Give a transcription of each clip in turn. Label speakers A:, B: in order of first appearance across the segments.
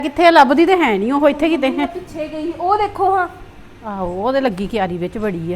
A: ਕਿੱਥੇ ਲੱਭਦੀ ਤੇ ਹੈ ਨਹੀਂ ਉਹ ਇੱਥੇ ਕਿਤੇ ਹੈ
B: ਪਿੱਛੇ ਗਈ ਉਹ ਦੇਖੋ ਹਾਂ।
A: ਆਹੋ ਉਹਦੇ ਲੱਗੀ ਕਿਆਰੀ ਵਿੱਚ ਬੜੀ ਆ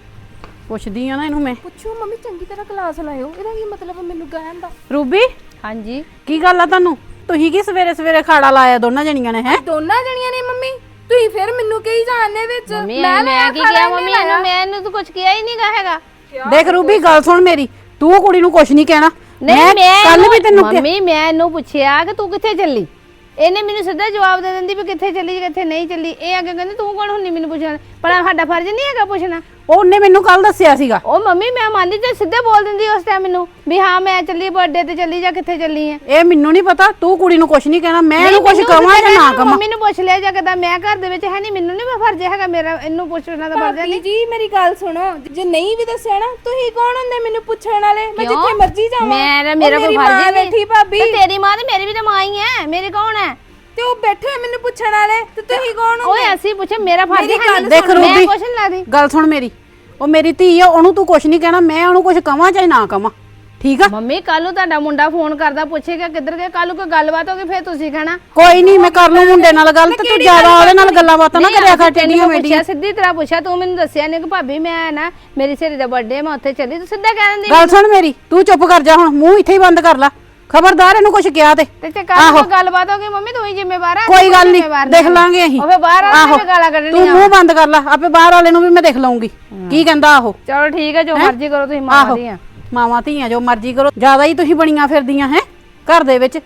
A: ਪੁੱਛਦੀ ਆ ਨਾ ਇਹਨੂੰ ਮੈਂ
B: ਪੁੱਛੋ ਮੰਮੀ ਚੰਗੀ ਤਰ੍ਹਾਂ ਕਲਾਸ ਲਾਇਓ ਇਹਦਾ ਕੀ ਮਤਲਬ ਮੈਨੂੰ ਕਹਿਣ ਦਾ।
A: ਰੂਬੀ
C: ਹਾਂਜੀ
A: ਕੀ ਗੱਲ ਆ ਤੁਹਾਨੂੰ ਤੁਸੀਂ ਕੀ ਸਵੇਰੇ ਸਵੇਰੇ ਖਾੜਾ ਲਾਇਆ ਦੋਨਾਂ ਜਣੀਆਂ ਨੇ ਹੈ
B: ਦੋਨਾਂ ਜਣੀਆਂ ਨੇ ਮੰਮੀ ਤੁਸੀਂ ਫਿਰ ਮੈਨੂੰ ਕਹੀ ਜਾਣਦੇ ਵਿੱਚ
C: ਮੈਂ ਕੀ ਕਿਹਾ ਮੰਮੀ ਇਹਨੂੰ ਮੈਂ ਇਹਨੂੰ ਤਾਂ ਕੁਝ ਕਿਹਾ ਹੀ ਨਹੀਂਗਾ ਹੈਗਾ।
A: ਦੇਖ ਰੂਬੀ ਗੱਲ ਸੁਣ ਮੇਰੀ ਤੂੰ ਕੁੜੀ ਨੂੰ ਕੁਛ ਨਹੀਂ ਕਹਿਣਾ
C: ਨਹੀਂ ਮੈਂ
A: ਕੱਲ ਵੀ ਤੈਨੂੰ
C: ਮੰਮੀ ਮੈਂ ਇਹਨੂੰ ਪੁੱਛਿਆ ਕਿ ਤੂੰ ਕਿੱਥੇ ਚੱਲੀ ਇਹਨੇ ਮੈਨੂੰ ਸਿੱਧਾ ਜਵਾਬ ਦੇ ਦਿੰਦੀ ਵੀ ਕਿੱਥੇ ਚੱਲੀ ਕਿੱਥੇ ਨਹੀਂ ਚੱਲੀ ਇਹ ਅੱਗੇ ਕਹਿੰਦੀ ਤੂੰ ਕੌਣ ਹੁੰਨੀ ਮੈਨੂੰ ਪੁੱਛਣ ਪਰ ਸਾਡਾ ਫਰਜ਼ ਨਹੀਂ ਹੈਗਾ ਪੁੱਛਣਾ।
A: ਉਹਨੇ ਮੈਨੂੰ ਕੱਲ ਦੱਸਿਆ ਸੀਗਾ
C: ਉਹ ਮੰਮੀ ਮੈਂ ਮੰਨਦੀ ਤੇ ਸਿੱਧੇ ਬੋਲ ਦਿੰਦੀ ਉਸ ਟਾਈਮ ਮੈਨੂੰ ਵੀ ਹਾਂ ਮੈਂ ਚੱਲੀ ਬਰਥਡੇ ਤੇ ਚੱਲੀ ਜਾਂ ਕਿੱਥੇ ਚੱਲੀ ਐ।
A: ਇਹ ਮੈਨੂੰ ਨਹੀਂ ਪਤਾ ਤੂੰ ਕੁੜੀ ਨੂੰ ਕੁਛ ਨਹੀਂ ਕਹਿਣਾ ਮੈਂ ਇਹਨੂੰ ਕੁਛ ਕਵਾਂ ਜਾਂ ਨਾ ਕਵਾਂ।
C: ਮੰਮੀ ਨੂੰ ਪੁੱਛ ਲਿਆ ਜਾਂ ਕਿਦਾਂ ਮੈਂ ਘਰ ਦੇ ਵਿੱਚ ਹੈ ਨਹੀਂ ਮੈਨੂੰ ਨਹੀਂ ਫਰਜ਼ ਹੈਗਾ ਮੇਰਾ ਇਹਨੂੰ ਪੁੱਛਣਾ ਦਾ ਫਰਜ਼ ਨਹੀਂ।
B: ਜੀ ਮੇਰੀ ਗੱਲ ਸੁਣੋ ਜੇ ਨਹੀਂ ਵੀ ਦੱਸਿਆ ਨਾ ਤੁਸੀਂ ਕੌਣ ਹੁੰਦੇ ਮੈਨੂੰ ਪੁੱਛਣ ਵਾਲੇ ਮੈਂ ਜਿੱਥੇ ਮਰਜ਼ੀ ਜਾਵਾਂ
C: ਮੇਰਾ ਕੋਈ ਫਰਜ਼ ਨਹੀਂ
B: ਬੈਠੀ ਭਾਬੀ
C: ਤੇ ਤੇਰੀ ਮਾਂ ਤੇ ਮੇਰੀ ਵੀ ਤਾਂ ਮਾਂ ਹੀ ਐ ਮੇਰੀ ਕੌਣ ਐ
B: ਤੇ ਉਹ ਬੈਠੇ ਮੈਨੂੰ ਪੁੱਛਣ ਵਾਲੇ ਤੇ ਤੁਸੀਂ ਕੌਣ ਹੋ?
C: ਓਏ ਅਸੀਂ ਪੁੱਛੇ ਮੇਰਾ ਫਰਜ਼ ਹੈ
A: ਦੇਖ ਰੂਬੀ
C: ਮੈਂ ਕੁਛ ਨਹੀਂ ਲਾਦੀ
A: ਗੱਲ ਸੁਣ ਮੇਰੀ ਉਹ ਮੇਰੀ ਧੀ ਆ ਉਹਨੂੰ ਤੂੰ ਕੁਛ ਨਹੀਂ ਕਹਿਣਾ ਮੈਂ ਉਹਨੂੰ ਕੁਛ ਕਵਾਂ ਚਾਹੇ ਨਾ ਕਵਾਂ ਠੀਕ ਆ।
C: ਮੰਮੀ ਕੱਲ ਨੂੰ ਤੁਹਾਡਾ ਮੁੰਡਾ ਫੋਨ ਕਰਦਾ ਪੁੱਛੇਗਾ ਕਿੱਧਰ ਗਏ ਕੱਲ ਨੂੰ ਕੋਈ ਗੱਲਬਾਤ ਹੋਗੀ ਫੇਰ ਤੁਸੀਂ ਕਹਿਣਾ
A: ਕੋਈ ਨਹੀਂ ਮੈਂ ਕਰ ਲੂ ਮੁੰਡੇ ਨਾਲ ਗੱਲ ਤੇ ਤੂੰ ਜ਼ਿਆਦਾ ਉਹਦੇ ਨਾਲ ਗੱਲਾਂ ਬਾਤਾਂ ਨਾ ਕਰਿਆ ਕਰ ਟੇਡੀਆਂ ਮੇਡੀਆਂ।
C: ਸਿੱਧੀ ਤਰ੍ਹਾਂ ਪੁੱਛਿਆ ਤੂੰ ਮੈਨੂੰ ਦੱਸਿਆ ਨਹੀਂ ਕਿ ਭਾਬੀ ਮੈਂ ਨਾ ਮੇਰੀ ਸਹੇਲੀ ਦਾ ਬਰਥਡੇ ਮੈਂ ਉੱਥੇ ਚੱਲੀ ਤੂੰ ਸਿੱਧਾ ਕਹਿ ਦਿੰਦੀ
A: ਗੱਲ ਸੁਣ ਮੇਰੀ ਤੂੰ ਚੁੱਪ ਕਰ ਜਾ ਹੁਣ ਮੂੰਹ ਇੱਥੇ ਹੀ ਬੰਦ ਕਰ ਲੈ ਖਬਰਦਾਰ ਇਹਨੂੰ ਕੁਛ ਕਿਹਾ ਤੇ
C: ਤੇ ਕੱਲ ਨੂੰ ਗੱਲਬਾਤ ਹੋਗੀ ਮੰਮੀ ਤੂੰ ਹੀ ਜ਼ਿੰਮੇਵਾਰ ਆ
A: ਕੋਈ ਗੱਲ ਨਹੀਂ ਦੇਖ ਲਾਂਗੇ ਅਸੀਂ
C: ਉਹ ਫੇਰ ਬਾਹਰ ਆ ਕੇ ਗਾਲਾਂ
A: ਤੂੰ
C: ਕੱਢਣੀਆਂ
A: ਮੂੰਹ ਬੰਦ ਕਰ ਲੈ ਆਪੇ ਬਾਹਰ ਵਾਲੇ ਨੂੰ ਵੀ ਮੈਂ ਦੇਖ ਲਵਾਂਗੀ ਕੀ ਕਹਿੰਦਾ ਆਹੋ।
C: ਚਲੋ ਠੀਕ ਹੈ ਜੋ ਮਰਜ਼ੀ ਕਰੋ ਤੁਸੀਂ ਮਾਂ ਦੀਆਂ
A: ਮਾਵਾਂ ਧੀਆਂ ਜੋ ਮਰਜ਼ੀ ਕਰੋ ਜ਼ਿਆਦਾ ਹੀ ਤੁਸੀਂ ਬਣੀਆਂ ਫਿਰਦੀਆਂ ਹੈ ਘਰ ਦੇ ਵਿੱਚ।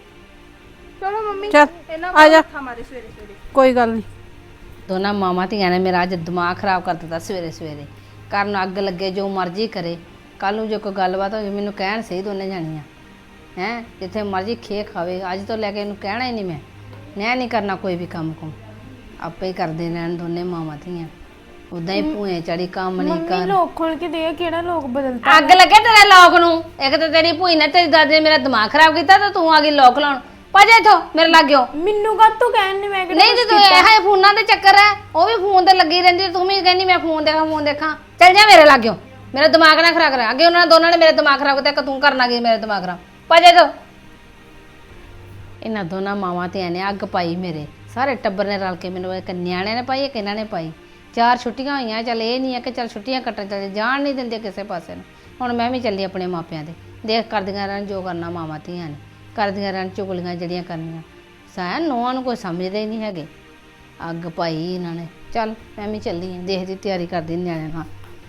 B: ਚਲੋ ਮੰਮੀ
A: ਚੱਲ ਆ ਜਾ
B: ਹਮਾਰੇ ਸਵੇਰੇ ਸਵੇਰੇ
A: ਕੋਈ ਗੱਲ ਨਹੀਂ।
C: ਦੋਨਾਂ ਮਾਵਾਂ ਧੀਆਂ ਨੇ ਮੇਰਾ ਅੱਜ ਦਿਮਾਗ ਖਰਾਬ ਕਰ ਦਿੱਤਾ ਸਵੇਰੇ ਸਵੇਰੇ ਕਰਨ ਅੱਗ ਲੱਗੇ ਜੋ ਮਰਜ਼ੀ ਕਰੇ ਕੱਲ ਨੂੰ ਜੇ ਕੋਈ ਗੱਲਬਾਤ ਹੋਵੇ ਮੈਨੂੰ ਕਹਿਣ ਸਹੀ ਦੋਨੇ ਜਾਣੀਆਂ ਹੈ ਜਿੱਥੇ ਮਰਜ਼ੀ ਖੇ ਖਾਵੇ ਅੱਜ ਤੋਂ ਲੈ ਕੇ ਇਹਨੂੰ ਕਹਿਣਾ ਹੀ ਨਹੀਂ ਮੈਂ ਨਹੀਂ ਕਰਨਾ ਕੋਈ ਵੀ ਕੰਮ ਆਪੇ ਹੀ ਕਰਦੇ ਰਹਿਣ ਦੋਨੇ ਮਾਵਾਂ ਧੀਆਂ ਉਦਾਂ ਹੀ ਭੂਏ ਚੜੀ ਕੰਮ ਨਹੀਂ ਕਰ
B: ਲੋਕ ਖੋਲ ਕੇ ਦੇ ਕਿਹੜਾ ਲੋਕ ਬਦਲਦਾ
C: ਅੱਗ ਲੱਗੇ ਤੇਰੇ ਲੋਕ ਨੂੰ ਇੱਕ ਤਾਂ ਤੇਰੀ ਭੂਈ ਨੇ ਤੇਰੀ ਦਾਦੀ ਨੇ ਮੇਰਾ ਦਿਮਾਗ ਖਰਾਬ ਕੀਤਾ ਤਾਂ ਤੂੰ ਆ ਗਈ ਲੋਕ ਲਾਉਣ ਭਜੇ ਇਥੋਂ ਮੇਰੇ ਲੱਗਿਓ
B: ਮੈਨੂੰ ਕਦ ਤੂੰ ਕਹਿਣ ਨਹੀਂ ਮੈਂ
C: ਨਹੀਂ ਤੇ ਤੂੰ ਇਹ ਫੋਨਾਂ ਦੇ ਚੱਕਰ ਹੈ ਉਹ ਵੀ ਫੋਨ ਤੇ ਲੱਗੀ ਰਹਿੰਦੀ ਤੂੰ ਵੀ ਕਹਿੰਦੀ ਮੈਂ ਫੋਨ ਦੇਖਾਂ ਚੱਲ ਜਾ ਮੇਰੇ ਲੱਗਿਓ ਮੇਰਾ ਦਿਮਾਗ ਨਾ ਖਰਾਬ ਕਰਾ ਅੱਗੇ ਉਹਨਾਂ ਦੋਨਾਂ ਨੇ ਮੇਰੇ ਦਿਮਾਗ ਖਰਾਬ ਕੀਤਾ ਤੂੰ ਕਰਨਾ ਕੀ ਮੇਰੇ ਦਿਮਾਗ ਖਰਾਬ ਭਜੇ ਤੋਂ ਇਹਨਾਂ ਦੋਨਾਂ ਮਾਵਾਂ ਤੇ ਨੇ ਅੱਗ ਪਾਈ ਮੇਰੇ ਸਾਰੇ ਟੱਬਰ ਨੇ ਰਲ ਕੇ ਮੈਨੂੰ ਇੱਕ ਨਿਆਣਿਆਂ ਨੇ ਪਾਈ ਇੱਕ ਇਹਨਾਂ ਨੇ ਪਾਈ 4 ਛੁੱਟੀਆਂ ਹੋਈਆਂ ਚੱਲ ਇਹ ਨਹੀਂ ਹੈ ਕਿ ਚੱਲ ਛੁੱਟੀਆਂ ਕੱਟਣ ਚੱਲ ਜਾਣ ਨਹੀਂ ਦਿੰਦੇ ਕਿਸੇ ਪਾਸੇ ਨੂੰ ਹੁਣ ਮੈਂ ਵੀ ਚੱਲੀ ਆਪਣੇ ਮਾਪਿਆਂ ਦੇ ਦੇਖ ਕਰਦੀਆਂ ਰਹਿਣ ਜੋ ਕਰਨਾ ਮਾਵਾਂ ਧੀਆਂ ਨੇ ਕਰਦੀਆਂ ਰਹਿਣ ਚੁਗਲੀਆਂ ਜਿਹੜੀਆਂ ਕਰਨੀਆਂ ਸਾਇਆ ਨੋਆਂ ਨੂੰ ਕੋਈ ਸਮਝਦੇ ਹੀ ਨਹੀਂ ਹੈਗੇ ਅੱਗ ਪਾਈ ਇਹਨਾਂ ਨੇ ਚੱਲ ਮੈਂ ਵੀ ਚੱਲੀ ਹਾਂ ਦੇਖਦੀ ਤਿਆਰੀ ਕਰਦੀ ਨਿਆਣਿਆਂ ਨਾਲ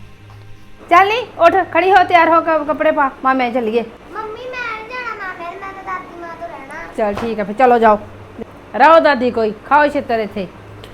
C: ਚੱਲ ਨੀ ਉੱਠ ਖੜੀ ਹੋ ਤਿਆਰ ਹੋ ਕੱਪੜੇ ਪਾ ਮਾਮੇ ਚੱਲੀਏ
D: ਮੰਮੀ ਮੈਂ ਨਹੀਂ ਜਾਣਾ ਮਾਮੇ ਮੈਂ ਤਾਂ ਦਾਦੀ ਮਾਂ ਤੋਂ ਰਹਿਣਾ।
C: ਚਲ ਠੀਕ ਹੈ ਫਿਰ ਚਲੋ ਜਾਓ ਰਹੋ ਦਾਦੀ ਕੋਈ ਖਾਓ ਛਿੱਤਰ ਇੱਥੇ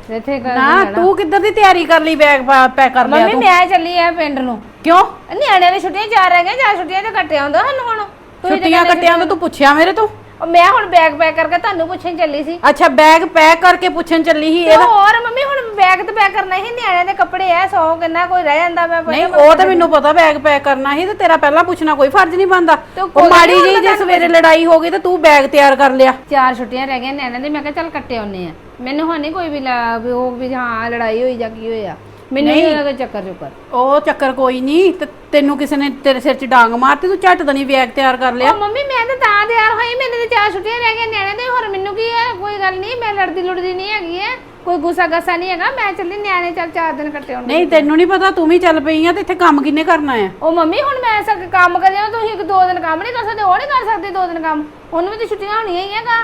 A: ਨਾ ਤੂੰ ਕਿੱਧਰ ਦੀ ਤਿਆਰੀ ਕਰ ਲਈ ਬੈਗ ਪੈਕ ਕਰ ਲਿਆ
C: ਮੰਮੀ
A: ਤੂੰ
C: ਮੈਂ ਚੱਲੀ ਆ ਪਿੰਡ ਨੂੰ
A: ਕਿਉਂ
C: ਨਿਆਣਿਆਂ ਦੀ ਛੁੱਟੀਆਂ 4 ਰਹਿ ਗਈਆਂ 4 ਛੁੱਟੀਆਂ ਤੇ ਕੱਟਿਆ ਹੁੰਦਾ ਸਾਨੂੰ ਹੁਣ
A: ਛੁੱਟੀਆਂ ਕੱਟਿਆਂ ਤੋਂ ਤੂੰ ਪੁੱਛਿਆ ਮੇਰੇ ਤੋਂ
C: ਮੈਂ ਹੁਣ ਬੈਗ ਪੈਕ ਕਰਕੇ ਤੁਹਾਨੂੰ ਪੁੱਛਣ ਚੱਲੀ ਸੀ
A: ਅੱਛਾ ਬੈਗ ਪੈਕ ਕਰਕੇ ਪੁੱਛਣ ਚੱਲੀ ਸੀ
C: ਤੇ ਹੋਰ ਮੰਮੀ ਹੁਣ ਬੈਗ ਤੇ ਪੈਕ ਕਰਨਾ ਸੀ ਨਿਆਣਿਆਂ ਦੇ ਕੱਪੜੇ ਐ 100 ਕਿੰਨਾ ਕੋਈ ਰਹਿ ਜਾਂਦਾ ਮੈਂ
A: ਨਹੀਂ ਉਹ ਤਾਂ ਮੈਨੂੰ ਪਤਾ ਬੈਗ ਪੈਕ ਕਰਨਾ ਸੀ ਤੇ ਤੇਰਾ ਪਹਿਲਾਂ ਪੁੱਛਣਾ ਕੋਈ ਫਰਜ਼ ਨਹੀਂ ਬਣਦਾ ਉਹ ਮਾੜੀ ਜੀ ਜੇ ਸਵੇਰੇ ਲੜਾਈ ਹੋ ਗਈ ਤੇ ਤੂੰ ਬੈਗ ਤਿਆਰ ਕਰ ਲਿਆ
C: 4 ਛੁੱਟੀਆਂ ਰਹਿ ਗਈਆਂ ਨਿਆਣਿਆਂ ਦੇ ਮੈਂ ਕਿਹਾ ਚੱਲ ਕੱਟੇ ਆਉਨੇ ਆ ਮੈਨੂੰ ਹੁਣ ਨਹੀਂ ਕੋਈ ਵੀ ਉਹ ਵੀ ਹਾਂ ਲੜਾਈ ਹੋਈ ਜਾਂ ਕੀ ਹੋਇਆ ਮੈਨੂੰ ਨਹੀਂ ਲੱਗਾ ਚੱਕਰ
A: ਉਹ ਚੱਕਰ ਕੋਈ ਨਹੀਂ ਤੇ ਤੈਨੂੰ ਕਿਸੇ ਨੇ ਤੇਰੇ ਸਿਰ 'ਚ ਡਾਂਗ ਮਾਰਤੀ ਤੂੰ ਝੱਟ ਦਣੀ ਬੈਗ ਤਿਆਰ ਕਰ ਲਿਆ
C: ਮੰਮੀ ਮੈਂ ਤਾਂ ਤਿਆਰ ਹੋਈ ਮੇਰੇ ਤੇ 4 ਛੁੱਟੀਆਂ ਰਹਿ ਗਈਆਂ ਨਿਆਣੇ ਦੇ ਹੋਰ ਮੈਨੂੰ ਕੀ ਹੈ ਕੋਈ ਗੱਲ ਨਹੀਂ ਮੈਂ ਲੜਦੀ ਨਹੀਂ ਹੈਗੀ ਹੈ ਕੋਈ ਗੁੱਸਾ ਗੱਸਾ ਨਹੀਂ ਹੈਗਾ ਮੈਂ ਚੱਲੀ ਨਿਆਣੇ ਚੱਲ 4 ਦਿਨ ਕੱਟੇ ਹੋਣਗੇ
A: ਨਹੀਂ ਤੈਨੂੰ ਨਹੀਂ ਪਤਾ ਤੂੰ ਵੀ ਚੱਲ ਪਈ ਆ ਤੇ ਇੱਥੇ ਕੰਮ ਕਿੰਨੇ ਕਰਨਾ ਆ
C: ਉਹ ਮੰਮੀ ਹੁਣ ਮੈਂ ਸਭ ਕੰਮ ਕਰ ਜਾਣਾ ਤੁਸੀਂ 2 ਦਿਨ ਕੰਮ ਨਹੀਂ ਕਰ ਸਕਦੇ ਉਹ ਨਹੀਂ ਕਰ ਸਕਦੇ 2 ਦਿਨ ਕੰਮ ਉਹਨੂੰ ਵੀ ਤਾਂ ਛੁੱਟੀਆਂ ਹੋਣੀਆਂ ਹੀ ਹੈਗਾ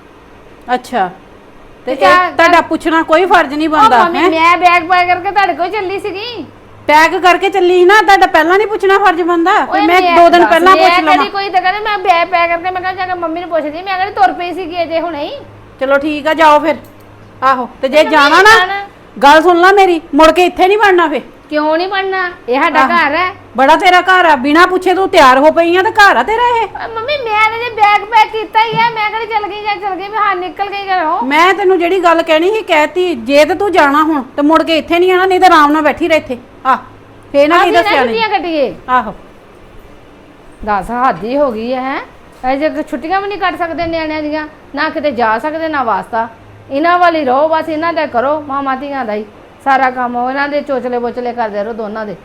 A: ਅੱਛਾ ਤੇ ਤੁਹਾਡਾ ਪੁੱਛਣਾ ਕੋਈ ਫਰਜ਼ ਨਹੀਂ ਬਣਦਾ
C: ਹੈ ਮੈਂ ਬੈਗ ਪੈਕ ਕਰਕੇ ਤੁਹਾਡੇ ਕੋਲ ਚੱਲੀ ਸੀਗੀ
A: ਪੈਕ ਕਰਕੇ ਚੱਲੀ ਨਾ ਤੁਹਾਡਾ ਪਹਿਲਾਂ ਨਹੀਂ ਪੁੱਛਣਾ ਫਰਜ਼ ਬਣਦਾ ਮੈਂ 2 ਦਿਨ ਪਹਿਲਾਂ ਪੁੱਛ ਲਵਾਂ
C: ਕੋਈ ਤਾਂ ਕਹਿੰਦੇ ਮੈਂ ਬੈਗ ਪੈਕ ਕਰਕੇ ਮੈਂ ਕਹਿੰਦਾ ਮੰਮੀ ਨੂੰ ਪੁੱਛਦੀ ਮੈਂ ਕਹਿੰਦੀ ਤੁਰ ਪਈ ਸੀਗੀ ਅਜੇ ਹੁਣੇ ਹੀ
A: ਚਲੋ ਠੀਕ ਆ ਜਾਓ ਫਿਰ ਆਹੋ ਤੇ ਜੇ ਜਾਣਾ ਨਾ ਗੱਲ ਸੁਣ ਲੈ ਮੇਰੀ ਮੁੜ ਕੇ ਇੱਥੇ ਨਹੀਂ ਵੜਨਾ ਫੇ
C: ਕਿਉਂ ਨਹੀਂ ਬਣਨਾ ਇਹ ਸਾਡਾ ਘਰ ਹੈ
A: ਬੜਾ ਤੇਰਾ ਘਰ ਆ ਬਿਨਾ ਪੁੱਛੇ ਤੂੰ ਤਿਆਰ ਹੋ ਪਈ ਆ ਤੇ ਘਰ ਆ ਤੇਰਾ ਇਹ
C: ਮੰਮੀ ਮੈਂ ਤਾਂ ਜੇ ਬੈਗ ਪੈਕ ਕੀਤਾ ਹੀ ਹੈ ਮੈਂ ਕਹਿੰਦੀ ਚੱਲ ਗਈ ਮੈਂ ਹਾਂ ਨਿਕਲ ਗਈ ਘਰੋਂ
A: ਮੈਂ ਤੈਨੂੰ ਜਿਹੜੀ ਗੱਲ ਕਹਿਣੀ ਸੀ ਕਹਿਤੀ ਜੇ ਤੇ ਤੂੰ ਜਾਣਾ ਹੁਣ ਤੇ ਮੁੜ ਕੇ ਇੱਥੇ ਨਹੀਂ ਆਣਾ ਨਹੀਂ ਤਾਂ ਆਰਾਮ ਨਾਲ ਬੈਠੀ ਰਹਿ ਇੱਥੇ ਆ ਫੇਰ ਨਾ ਕੀ ਦੱਸਿਆ
C: ਨਹੀਂ ਕੱਟੀਏ
A: ਆਹੋ
C: 10 ਹੱਦੀ ਹੋ ਗਈ ਹੈ ਅਜੇ ਛੁੱਟੀਆਂ ਵੀ ਨਹੀਂ ਕੱਟ ਸਕਦੇ ਨਿਆਣਿਆਂ ਦੀਆਂ ਨਾ ਕਿਤੇ ਜਾ ਸਕਦੇ ਨਾ ਵਾਸਤਾ ਇਹਨਾਂ ਵਾਲੀ ਰਹੋ ਬਸ ਇਹਨਾਂ ਦਾ ਕਰੋ ਮਾਮਾ ਧੀਆਂ ਦਾ ਹੀ ਸਾਰਾ ਕੰਮ ਇਹਨਾਂ ਦੇ ਚੋਚਲੇ ਬੋਚਲੇ ਕਰਦੇ ਰਹੋ ਦੋਨਾਂ ਦੇ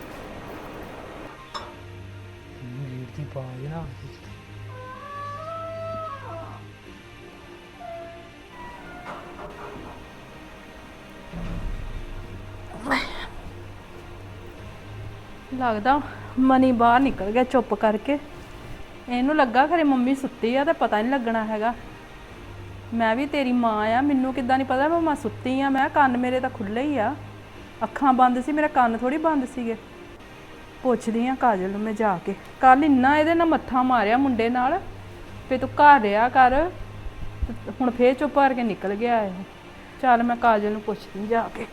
A: ਲੱਗਦਾ ਮਨੀ ਬਾਹਰ ਨਿਕਲ ਗਿਆ ਚੁੱਪ ਕਰਕੇ। ਇਹਨੂੰ ਲੱਗਾ ਖਰੇ ਮੰਮੀ ਸੁੱਤੀ ਆ ਤੇ ਪਤਾ ਨਹੀਂ ਲੱਗਣਾ ਹੈਗਾ। ਮੈਂ ਵੀ ਤੇਰੀ ਮਾਂ ਆ, ਮੈਨੂੰ ਕਿੱਦਾਂ ਨਹੀਂ ਪਤਾ ਮੈਂ ਸੁੱਤੀ ਆ। ਮੈਂ ਕੰਨ ਮੇਰੇ ਤਾਂ ਖੁੱਲੇ ਹੀ ਆ, ਅੱਖਾਂ ਬੰਦ ਸੀ, ਮੇਰੇ ਕੰਨ ਥੋੜੀ ਬੰਦ ਸੀਗੇ। ਪੁੱਛਦੀ ਆ ਕਾਜਲ ਨੂੰ ਮੈਂ ਜਾ ਕੇ। ਕੱਲ ਇੰਨਾ ਇਹਦੇ ਨਾਲ ਮੱਥਾ ਮਾਰਿਆ ਮੁੰਡੇ ਨਾਲ ਵੀ ਤੂੰ ਘਰ ਰਿਹਾ ਕਰ, ਹੁਣ ਫੇਰ ਚੁੱਪ ਕਰਕੇ ਨਿਕਲ ਗਿਆ ਇਹ। ਚੱਲ ਮੈਂ ਕਾਜਲ ਨੂੰ ਪੁੱਛਦੀ ਜਾ ਕੇ।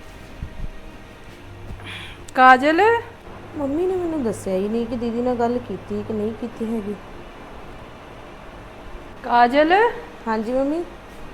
A: ਕਾਜਲ,
E: ਮੰਮੀ ਨੇ ਮੈਨੂੰ ਦੱਸਿਆ ਹੀ ਨਹੀਂ ਕਿ ਦੀਦੀ ਨਾਲ ਗੱਲ ਕੀਤੀ ਕਿ ਨਹੀਂ ਕੀਤੀ ਹੈਗੀ।
A: ਕਾਜਲ
E: ਹਾਂਜੀ ਮੰਮੀ।